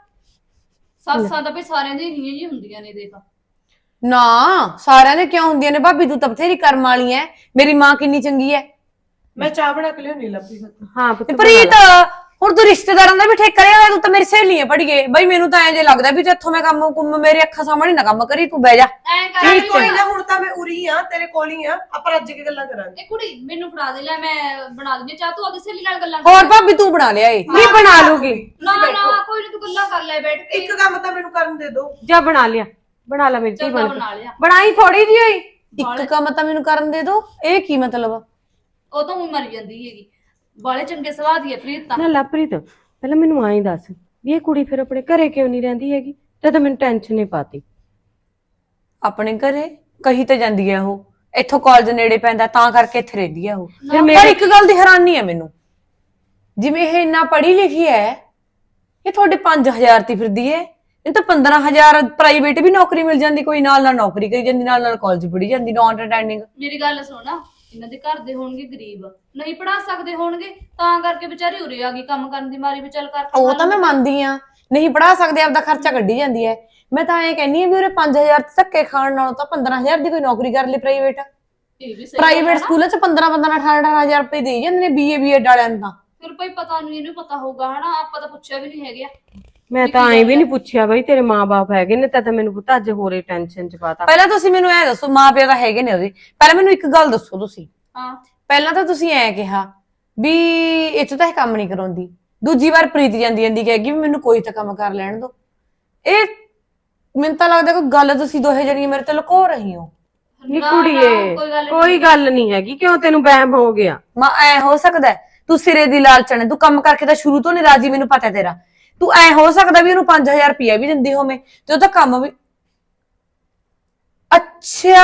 Speaker 2: ਸੱਸਾਂ ਤਾਂ ਵੀ ਸਾਰਿਆਂ ਦੀ ਹੀਆਂ ਜੀ ਹੁੰਦੀਆਂ ਨੇ ਦੇਖ।
Speaker 7: ਨਾ ਸਾਰਿਆਂ ਦੇ ਕਿਉਂ ਹੁੰਦੀਆਂ ਨੇ ਭਾਬੀ? ਤੂੰ ਤਾਂ ਬਥੇਰੀ ਕਰਮ ਵਾਲੀ ਹੈ। ਮੇਰੀ ਮਾਂ ਕਿੰਨੀ ਚੰਗੀ ਹੈ।
Speaker 3: ਮੈਂ ਚਾਹ ਬਣਾ ਕੇ ਲਿਆਉਣੀ ਲੱਭੀ।
Speaker 1: ਹਾਂ ਪੁੱਤ
Speaker 7: ਪ੍ਰੀਤ ਹੁਣ ਤੂੰ ਰਿਸ਼ਤੇਦਾਰਾਂ ਦਾ ਵੀ ਠੇਕਾ ਲਿਆ। ਤੂੰ ਤਾਂ ਮੇਰੀ ਸਹੇਲੀ ਹੈ ਪੜੀਏ ਬਈ। ਮੈਨੂੰ ਤਾਂ ਐਂ ਜੇ ਲੱਗਦਾ ਵੀ ਇੱਥੋਂ ਮੈਂ ਕੰਮ ਕੁੰਮ ਮੇਰੇ ਅੱਖਾਂ ਸਾਹਮਣੇ ਨਾ ਕੰਮ ਕਰੀ। ਤੂੰ ਬਹਿ ਜਾ।
Speaker 2: ਐਂ ਕਰ
Speaker 3: ਕੋਈ ਨਾ, ਹੁਣ ਤਾਂ ਮੈਂ ਉਰੀ ਆ, ਤੇਰੇ ਕੋਲ ਹੀ ਆ। ਆਪਾਂ ਰੱਜ ਕੇ ਗੱਲਾਂ ਕਰਾਂਗੇ।
Speaker 2: ਇਹ ਕੁੜੀ ਮੈਨੂੰ ਫੜਾ ਦੇ, ਲੈ ਮੈਂ ਬਣਾ ਦਿੰਦੀ ਚਾਹ। ਤੂੰ ਆਪਣੀ ਸਹੇਲੀ ਨਾਲ ਗੱਲਾਂ ਕਰ।
Speaker 7: ਹੋਰ ਭਾਬੀ ਤੂੰ ਬਣਾ ਲਿਆ ਏ।
Speaker 1: ਨਹੀਂ ਬਣਾ ਲੂਗੀ।
Speaker 2: ਨਾ ਨਾ ਕੋਈ ਨਹੀਂ, ਤੂੰ ਗੱਲਾਂ ਕਰ ਲੈ ਬੈਠ ਕੇ।
Speaker 3: ਇੱਕ ਕੰਮ ਤਾਂ ਮੈਨੂੰ ਕਰਨ ਦੇ ਦੋ।
Speaker 1: ਜਾ ਬਣਾ ਲਿਆ, ਬਣਾ ਲਾ ਮੇਰੀ ਧੀ
Speaker 2: ਚੰਗਾ
Speaker 1: ਬਣ
Speaker 2: ਬਣਾ ਲਿਆ।
Speaker 1: ਬਣਾਈ ਥੋੜੀ ਜਿਹੀ ਹੋਈ।
Speaker 7: ਇੱਕ ਕੰਮ ਤਾਂ ਮੈਨੂੰ ਕਰਨ ਦੇ ਦੋ। ਇਹ ਕੀ ਮਤਲਬ?
Speaker 2: ਉਹ ਤਾਂ ਹੁਣ ਮਰ ਜਾਂਦੀ ਹੈਗੀ। ਬਾਲੇ ਚੰਗੇ ਸੁਭਾਅ ਦੀ ਹੈ ਪ੍ਰੀਤ ਤਾਂ।
Speaker 1: ਨਾ ਲਾਪ੍ਰੀਤ ਪਹਿਲਾਂ ਮੈਨੂੰ ਆਈ ਦੱਸ ਵੀ ਇਹ ਕੁੜੀ ਫਿਰ ਆਪਣੇ ਘਰੇ ਕਿਉਂ ਨਹੀਂ ਰਹਿੰਦੀ ਹੈਗੀ? ਤਾਂ ਮੈਨੂੰ ਟੈਨਸ਼ਨ ਹੀ ਪਾਤੀ।
Speaker 7: ਆਪਣੇ ਘਰੇ ਕਹੀ ਤਾਂ ਜਾਂਦੀ ਹੈ ਉਹ, ਇੱਥੋਂ ਕਾਲਜ ਨੇੜੇ ਪੈਂਦਾ ਤਾਂ ਕਰਕੇ ਇੱਥੇ ਰਹਿੰਦੀ ਹੈ ਉਹ।
Speaker 1: ਫਿਰ
Speaker 7: ਪਰ ਇੱਕ ਗੱਲ ਦੀ ਹੈਰਾਨੀ ਹੈ ਮੈਨੂੰ, ਜਿਵੇਂ ਇਹ ਇੰਨਾ ਪੜ੍ਹੀ ਲਿਖੀ ਹੈ, ਇਹ ਤੁਹਾਡੇ 5000 ਤੇ ਫਿਰਦੀ ਹੈ। ਇਹ ਤਾਂ 15000 ਪ੍ਰਾਈਵੇਟ ਵੀ ਨੌਕਰੀ ਮਿਲ ਜਾਂਦੀ, ਕੋਈ ਨਾਲ ਨਾਲ ਨੌਕਰੀ ਕਰੀ ਜਾਂਦੀ, ਨਾਲ ਨਾਲ ਕਾਲਜ ਪੜ੍ਹੀ ਜਾਂਦੀ, ਨੌਨ ਅਟੈਂਡਿੰਗ।
Speaker 2: ਮੇਰੀ ਗੱਲ ਸੁਣਾ, ਇਹਨਾਂ ਦੇ ਘਰ ਦੇ ਹੋਣਗੇ ਗਰੀਬ, ਨਹੀਂ ਪੜਾ ਸਕਦੇ ਹੋਣਗੇ, ਤਾਂ ਕਰਕੇ ਵਿਚਾਰੀ ਉਰੇ ਆ ਗਈ ਕੰਮ ਕਰਨ ਦੀ ਮਾਰੀ ਵੀ ਚੱਲ ਕਰ।
Speaker 7: ਉਹ ਤਾਂ ਮੈਂ ਮੰਨਦੀ ਆ, ਨਹੀਂ ਪੜਾ ਸਕਦੇ, ਆਪਦਾ ਖਰਚਾ ਕੱਢੀ ਜਾਂਦੀ ਹੈ। ਮੈਂ ਤਾਂ ਐਂ ਕਹਿੰਨੀ ਆ ਵੀ ਉਹਰੇ 5000 ਧੱਕੇ ਖਾਣ ਨਾਲੋਂ ਤਾਂ 15000 ਦੀ ਕੋਈ ਨੌਕਰੀ ਕਰ ਲਈ ਪ੍ਰਾਈਵੇਟ।
Speaker 2: ਇਹ ਵੀ ਸਹੀ
Speaker 7: ਪ੍ਰਾਈਵੇਟ ਸਕੂਲਾਂ 'ਚ 15-18 ਰੁਪਏ ਦੇਈ ਜਾਂਦੇ ਨੇ BA ਵਾਲਿਆਂ ਨੂੰ ਤਾਂ।
Speaker 2: ਫਿਰ ਭਾਈ ਪਤਾ ਨਹੀਂ, ਇਹਨੂੰ ਪਤਾ ਹੋਊਗਾ ਹਨਾ, ਆਪਾਂ ਤਾਂ ਪੁੱਛਿਆ ਵੀ ਨਹੀਂ ਹੈਗਾ।
Speaker 1: ਮੈਂ ਤਾਂ ਐਂ ਵੀ ਨਹੀਂ ਪੁੱਛਿਆ ਬਈ ਤੇਰੇ ਮਾਂ-ਬਾਪ ਹੈਗੇ ਨੇ, ਤਾਂ ਮੈਨੂੰ ਪਤਾ ਅੱਜ ਹੋਰੇ ਟੈਨਸ਼ਨ ਚ ਪਾਤਾ।
Speaker 7: ਪਹਿਲਾਂ ਤੁਸੀਂ ਮੈਨੂੰ ਐ ਦੱਸੋ, ਮਾਂ ਪਿਓ ਤਾਂ ਹੈਗੇ ਨੇ ਉਹਦੇ, ਪਹਿਲਾਂ ਮੈਨੂੰ ਇੱਕ ਗੱਲ ਦੱਸੋ ਤੁਸੀਂ।
Speaker 2: ਹਾਂ
Speaker 7: ਪਹਿਲਾਂ ਤਾਂ ਤੁਸੀਂ ਐ ਕਿਹਾ ਵੀ ਇੱਥੋਂ ਤਾਂ ਇਹ ਕੰਮ ਨਹੀਂ ਕਰਾਉਂਦੀ, ਦੂਜੀ ਵਾਰ ਪ੍ਰੀਤ ਜਾਂਦੀ ਕਹੇਗੀ ਵੀ ਮੈਨੂੰ ਕੋਈ ਤਾਂ ਕੰਮ ਕਰ ਲੈਣ ਦੋ। ਇਹ ਮੈਨੂੰ ਤਾਂ ਲੱਗਦਾ ਕੋਈ ਗੱਲ ਤੁਸੀਂ ਦੋਹੇ ਜਣੀਆਂ ਮੇਰੇ ਤੋਂ ਲੁਕੋ ਰਹੀ ਹੋ।
Speaker 1: ਨੀ ਕੁੜੀਏ ਕੋਈ ਗੱਲ ਨਹੀਂ ਹੈਗੀ, ਕਿਉਂ ਤੈਨੂੰ ਵਹਿਮ ਹੋ ਗਿਆ?
Speaker 7: ਮਾਂ ਐ ਹੋ ਸਕਦਾ ਤੂੰ ਸਿਰੇ ਦੀ ਲਾਲਚਣ ਹੈ, ਤੂੰ ਕੰਮ ਕਰਕੇ ਤਾਂ ਸ਼ੁਰੂ ਤੋਂ ਨਹੀਂ ਰਾਜੀ, ਮੈਨੂੰ ਪਤਾ ਤੇਰਾ। ਤੂੰ ਐ ਹੋ ਸਕਦਾ ਵੀ ਉਹਨੂੰ 5000 ਰੁਪਇਆ ਵੀ ਦਿੰਦੀ ਹੋਵੇਂ ਤੇ ਉਹ ਤਾਂ ਕੰਮ ਵੀ ਅੱਛਾ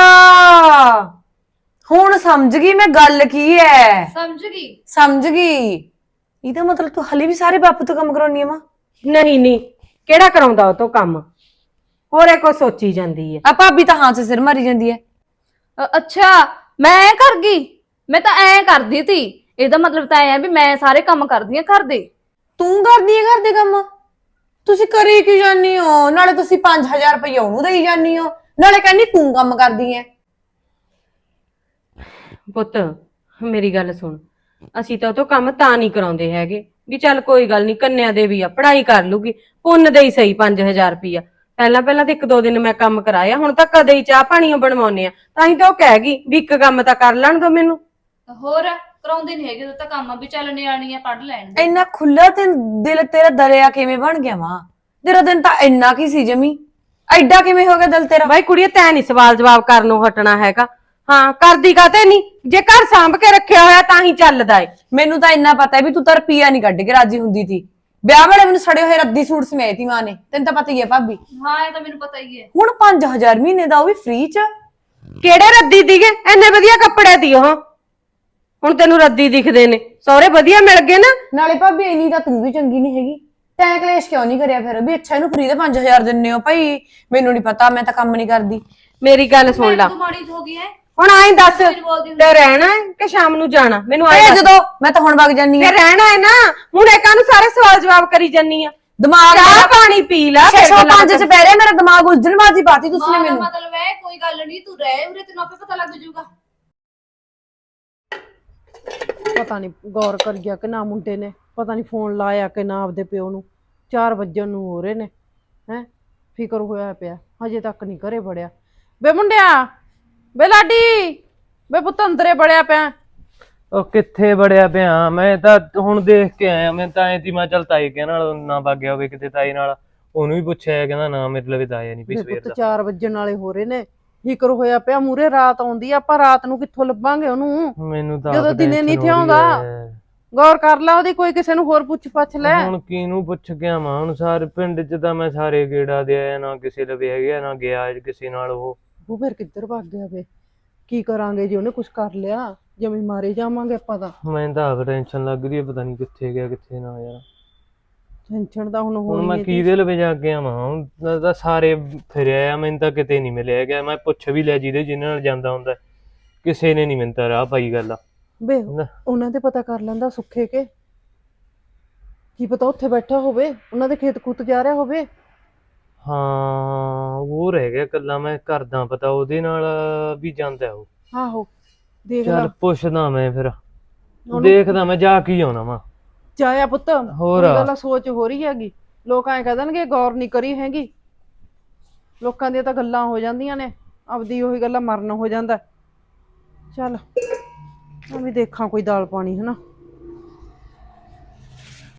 Speaker 7: ਹੁਣ ਸਮਝ ਗਈ ਮੈਂ ਗੱਲ ਕੀ ਹੈ। ਸਮਝ ਗਈ। ਇਹਦਾ ਮਤਲਬ ਤੂੰ ਹਲੇ ਵੀ ਸਾਰੇ ਬਾਪੂ ਤੋਂ ਕੰਮ ਕਰਾਉਣੀ ਆ ਮਾਂ।
Speaker 1: ਨਹੀਂ ਨਹੀਂ, ਕਿਹੜਾ ਕਰਾਉਂਦਾ ਉਹ ਤੋਂ ਕੰਮ, ਹੋਰੇ ਕੋ ਸੋਚੀ ਜਾਂਦੀ ਹੈ।
Speaker 7: ਆ ਭਾਬੀ ਤਾਂ ਹਾਂ ਚ ਸਿਰ ਮਾਰੀ ਜਾਂਦੀ ਹੈ।
Speaker 2: ਅੱਛਾ ਮੈਂ ਐ ਕਰ ਗਈ, ਮੈਂ ਤਾਂ ਐ ਕਰਦੀ ਤੀ। ਇਹਦਾ ਮਤਲਬ ਤਾਂ ਐ ਆ ਵੀ ਮੈਂ ਸਾਰੇ ਕੰਮ ਕਰਦੀ ਆ ਘਰ ਦੇ।
Speaker 7: ਤੂੰ ਕਰਦੀ ਹੈ ਘਰ ਦੇ ਕੰਮ? ਤੁਸੀਂ ਕਰੀ ਕੀ ਜਾਨੀ ਹੋ? ਨਾਲੇ ਤੁਸੀਂ 5000 ਰੁਪਏ ਉਹਨੂੰ ਦੇਈ ਜਾਨੀ ਹੋ, ਨਾਲੇ ਕਹਿੰਦੀ ਤੂੰ ਕੰਮ ਕਰਦੀ ਹੈ।
Speaker 1: ਪੁੱਤ ਮੇਰੀ ਗੱਲ ਸੁਣ, ਅਸੀਂ ਤਾਂ ਉਹ ਤੋਂ ਕੰਮ ਤਾਂ ਨਹੀਂ ਕਰਾਉਂਦੇ ਹੈਗੇ ਵੀ ਚੱਲ ਕੋਈ ਗੱਲ ਨਹੀਂ, ਕੰਨਿਆ ਦੇ ਵੀ ਆ, ਪੜ੍ਹਾਈ ਕਰ ਲੂਗੀ, ਪੁੰਨ ਦੇ ਹੀ ਸਹੀ 5000 ਰੁਪਇਆ। ਪਹਿਲਾਂ ਤਾਂ ਇੱਕ ਦੋ ਦਿਨ ਮੈਂ ਕੰਮ ਕਰਾਇਆ, ਹੁਣ ਤਾਂ ਕਦੇ ਹੀ ਚਾਹ ਪਾਣੀਆਂ ਬਣਵਾਉਨੇ ਆ। ਤਾਂ ਹੀ ਤਾਂ ਉਹ ਕਹਿ ਗਈ ਵੀ ਇੱਕ ਕੰਮ ਤਾਂ ਕਰ ਲੈਣ ਦੋ ਮੈਨੂੰ।
Speaker 2: ਹੋਰ ਕਰਾਉਂਦੇ ਨਹੀਂ ਹੈਗੇ ਤਾਂ ਕੰਮ ਵੀ ਚੱਲ ਨਿਆਣੀ ਆ, ਪੜ ਲੈਣ ਦੇ।
Speaker 7: ਇੰਨਾ ਖੁੱਲਾ ਤੇ ਦਿਲ ਤੇਰਾ ਦਰਿਆ ਕਿਵੇਂ ਬਣ ਗਿਆ ਮਾਂ? ਤੇਰਾ ਦਿਨ ਤਾਂ ਇੰਨਾ ਕੀ ਸੀ ਜਮੀ, ਐਡਾ ਕਿਵੇਂ ਹੋ ਗਿਆ ਦਿਲ ਤੇਰਾ?
Speaker 1: ਬਾਈ ਕੁੜੀਏ, ਤੈਂ ਨਹੀਂ ਸਵਾਲ ਜਵਾਬ ਕਰਨੋਂ ਹਟਣਾ ਹੈਗਾ। ਹਾਂ, ਕਰਦੀ ਕਾਤੇ ਨਹੀਂ, ਜੇ ਘਰ ਸਾਂਭ ਕੇ ਰੱਖਿਆ ਹੋਇਆ ਤਾਂ ਹੀ ਚੱਲਦਾ ਏ।
Speaker 7: ਮੈਨੂੰ ਤਾਂ ਇੰਨਾ ਪਤਾ ਹੈ ਵੀ ਤੂੰ ਤਾਂ ਰੁਪਈਆ ਨਹੀਂ ਕੱਢ ਕੇ ਰਾਜੀ ਹੁੰਦੀ ਸੀ। ਵਿਆਹ ਵੇਲੇ ਮੈਨੂੰ ਸੜੇ ਹੋਏ ਰੱਦੀ ਸੂਟ ਸਮੇਤ ਹੀ ਮਾਂ ਨੇ, ਤੈਨੂੰ ਤਾਂ ਪਤਾ ਹੀ ਹੈ ਭਾਬੀ।
Speaker 2: ਹਾਂ ਇਹ ਤਾਂ ਮੈਨੂੰ ਪਤਾ ਹੀ ਹੈ।
Speaker 7: ਹੁਣ 5000 ਮਹੀਨੇ ਦਾ, ਉਹ ਵੀ ਫ੍ਰੀ ਚ।
Speaker 1: ਕਿਹੜੇ ਰੱਦੀ ਦੀਗੇ, ਇੰਨੇ ਵਧੀਆ ਕੱਪੜੇ ਦੀ ਉਹ, ਹੁਣ ਤੈਨੂੰ ਰੱਦੀ ਦਿਖਦੇ ਨੇ? ਸਹੁਰੇ ਵਧੀਆ ਮਿਲ ਗਏ ਨਾ।
Speaker 7: ਨਾਲੇ ਭਾਬੀ ਇੰਨੀ ਤਾਂ ਤੂੰ ਵੀ ਚੰਗੀ ਨਹੀਂ ਹੈਗੀ, ਤੈਂ ਕਲੇਸ਼ ਕਿਉਂ ਨਹੀਂ ਕਰਿਆ ਫਿਰ ਵੀ ਅੱਛਾ ਇਹਨੂੰ ਫ੍ਰੀ ਦੇ 5000 ਦਿੰਨੇ ਹੋ? ਭਾਈ ਮੈਨੂੰ ਨਹੀਂ ਪਤਾ, ਮੈਂ ਤਾਂ ਕੰਮ ਨਹੀਂ ਕਰਦੀ।
Speaker 1: ਮੇਰੀ ਗੱਲ ਸੁਣ ਲਾ,
Speaker 2: ਤੂੰ ਮਾੜੀ ਹੋ ਗਈ ਹੈ।
Speaker 1: ਹੁਣ ਆਈ ਦੱਸ, ਤੇ ਰਹਿਣਾ ਹੈ ਕਿ ਸ਼ਾਮ ਨੂੰ ਜਾਣਾ? ਮੈਨੂੰ ਆਏ
Speaker 7: ਇਹ ਜਦੋਂ ਮੈਂ ਤਾਂ ਹੁਣ ਵਗ ਜਾਨੀ ਆ।
Speaker 1: ਤੇ ਰਹਿਣਾ ਹੈ ਨਾ, ਹੁਣ ਇਹ ਕਾਹਨੂੰ ਸਾਰੇ ਸਵਾਲ ਜਵਾਬ ਕਰੀ ਜਾਨੀ ਆ?
Speaker 7: ਦਿਮਾਗ
Speaker 1: ਚਾਹ ਪਾਣੀ ਪੀ ਲਾ, ਫਿਰ
Speaker 7: 605 ਚ ਪੈ ਰਿਹਾ ਮੇਰਾ ਦਿਮਾਗ, ਉਲਝਣਬਾਜ਼ੀ ਪਾਤੀ ਤੁਸੀਂ ਨੇ ਮੈਨੂੰ।
Speaker 2: ਮਤਲਬ ਹੈ ਕੋਈ ਗੱਲ ਨਹੀਂ, ਤੂੰ ਰਹਿ ਉਰੇ, ਤੈਨੂੰ ਆਪੇ ਪਤਾ ਲੱਗ ਜਾਊਗਾ।
Speaker 4: ਪਤਾ ਨਹੀਂ ਗੌਰ ਕਰ ਗਿਆ ਕਿ ਨਾ ਮੁੰਡੇ ਨੇ, ਪਤਾ ਨਹੀਂ ਫੋਨ ਲਾਇਆ ਕਿ ਨਾ ਆਪਦੇ ਪਿਓ ਨੂੰ। 4 ਵਜਣ ਨੂੰ ਹੋ ਰਹੇ ਨੇ ਹੈ, ਫਿਕਰ ਹੋਇਆ ਪਿਆ, ਹਜੇ ਤੱਕ ਨਹੀਂ ਘਰੇ ਵੜਿਆ। ਬੇ ਮੁੰਡਿਆ, ਬੇ ਲਾਡੀ, ਬੇ ਪੁੱਤ ਅੰਦਰੇ ਬੜਿਆ ਪਿਆ।
Speaker 5: ਉਹ ਕਿੱਥੇ ਵੜਿਆ ਪਿਆ? ਮੈਂ ਤਾਂ ਹੁਣ ਦੇਖ ਕੇ ਆਇਆ, ਮੈਂ ਤਾਂ ਐ ਤੀ ਮੈਂ ਚੱਲ ਤਾਈ ਕੇ ਨਾਲ ਨਾ ਵਗ ਹੋਵੇ ਕਿਤੇ, ਤਾਈ ਨਾਲ ਉਹਨੂੰ ਵੀ ਪੁੱਛਿਆ, ਕਹਿੰਦਾ ਨਾ ਮੇਰੇ ਲਈ ਤਾਂ ਆਇਆ ਨਹੀਂ ਪਈ ਸਵੇਰ
Speaker 4: ਪੁੱਤ
Speaker 5: ਦਾ।
Speaker 4: 4 ਵਜਣ ਵਾਲੇ ਹੋ ਰਹੇ ਨੇ, ਫਿਕਰ ਹੋਇਆ ਪਿਆ। ਮੂਰੇ ਰਾਤ ਆਉਂਦੀ ਆ, ਆਪਾਂ ਰਾਤ ਨੂੰ ਕਿੱਥੋਂ ਲੱਭਾਂਗੇ ਉਹਨੂੰ?
Speaker 5: ਮੈਨੂੰ ਤਾਂ
Speaker 4: ਜਦੋਂ
Speaker 5: ਆਪ
Speaker 4: ਦਿਨੇ ਨਹੀਂ
Speaker 5: tension ਹੋ ਰਹੀ
Speaker 4: ਥਿਆਉਂਦਾ।
Speaker 5: ਹੈ।
Speaker 4: ਗੌਰ ਕਰ ਲੈ ਉਹਦੀ, ਕੋਈ ਕਿਸੇ ਨੂੰ ਹੋਰ ਪੁੱਛ ਪੱਛ ਲੈ।
Speaker 5: ਹੁਣ ਕਿਹਨੂੰ ਪੁੱਛ ਗਿਆ ਮਾਂ? ਹੁਣ ਸਾਰੇ ਪਿੰਡ 'ਚ ਤਾਂ ਮੈਂ ਸਾਰੇ ਗੇੜਾ ਦੇ ਆਇਆ, ਨਾ ਕਿਸੇ ਲਵੇ ਹੈਗਾ, ਨਾ ਗਿਆ ਕਿਸੇ ਨਾਲ ਉਹ
Speaker 4: ਫਿਰ ਕਿੱਧਰ ਭੱਗ ਗਿਆ ਵੇ? ਕੀ ਕਰਾਂਗੇ ਜੇ ਉਹਨੇ ਕੁਝ ਕਰ ਲਿਆ? ਜਿਵੇਂ ਮਾਰੇ ਜਾਵਾਂਗੇ ਆਪਾਂ ਤਾਂ।
Speaker 5: ਮੈਨੂੰ ਤਾਂ ਆਪ ਟੈਨਸ਼ਨ ਲੱਗ ਰਹੀ ਹੈ, ਪਤਾ ਨਹੀਂ ਕਿੱਥੇ ਗਿਆ ਕਿੱਥੇ ਨਾ ਯਾਰ।
Speaker 4: ਟੈਨਸ਼ਨ ਤਾਂ ਹੁਣ
Speaker 5: ਹੁਣ
Speaker 4: ਹੋਣੀ
Speaker 5: ਮੈਂ
Speaker 4: ਹੈ।
Speaker 5: ਕਿਹਦੇ ਲਵੇ ਜਾ ਕੇ ਆਵਾਂ? ਹੁਣ ਤਾਂ ਸਾਰੇ ਫਿਰਿਆ ਆ, ਮੈਨੂੰ ਤਾਂ ਕਿਤੇ ਨਹੀਂ ਮਿਲਿਆ ਗਿਆ। ਮੈਂ ਪੁੱਛ ਵੀ ਲਿਆ ਜਿਹਦੇ ਨਾਲ ਜਾਂਦਾ ਹੁੰਦਾ, ਕਿਸੇ ਨੇ ਨਹੀਂ ਮੈਨੂੰ ਤਾਂ ਰਾਹ ਪਾਈ ਗੱਲ ਆ।
Speaker 4: ਬੇ ਉਹਨਾਂ ਦੇ ਪਤਾ ਕਰ ਲੈਂਦਾ ਸੁੱਖੇ ਕੇ, ਕੀ ਪਤਾ ਉੱਥੇ ਬੈਠਾ ਹੋਵੇ, ਉਹਨਾਂ ਦੇ ਖੇਤ ਖੁੱਤ ਜਾ ਰਿਹਾ ਹੋਵੇ।
Speaker 5: ਹਾਂ ਉਹ ਰਹਿ ਗਿਆ ਕੱਲਾ, ਮੈਂ ਕਰਦਾ ਪਤਾ ਉਹਦੇ ਨਾਲ ਵੀ ਜਾਂਦਾ ਉਹ।
Speaker 4: ਆਹੋ ਦੇਖ ਲੈ,
Speaker 5: ਚੱਲ ਪੁੱਛਦਾ ਮੈਂ, ਫਿਰ ਦੇਖਦਾ ਮੈਂ, ਜਾ ਕੇ ਆਉਣਾ ਵਾ।
Speaker 4: ਜਾਇਆ ਪੁੱਤ।
Speaker 5: ਹੋਰ
Speaker 4: ਕੋਈ ਗੱਲ ਸੋਚ ਹੋ ਰਹੀ ਹੈਗੀ, ਲੋਕ ਐਂ ਕਹਿ ਦੇਣਗੇ ਗੌਰ ਨਹੀਂ ਕਰੀ ਹੈਗੀ। ਲੋਕਾਂ ਦੀਆਂ ਤਾਂ ਗੱਲਾਂ ਹੋ ਜਾਂਦੀਆਂ ਨੇ, ਆਪਦੀ ਉਹੀ ਗੱਲਾਂ ਮਰਨ ਹੋ ਜਾਂਦਾ। ਚੱਲ ਮੈਂ ਵੀ ਦੇਖਾਂ ਕੋਈ ਦਾਲ ਪਾਣੀ, ਹਨਾ।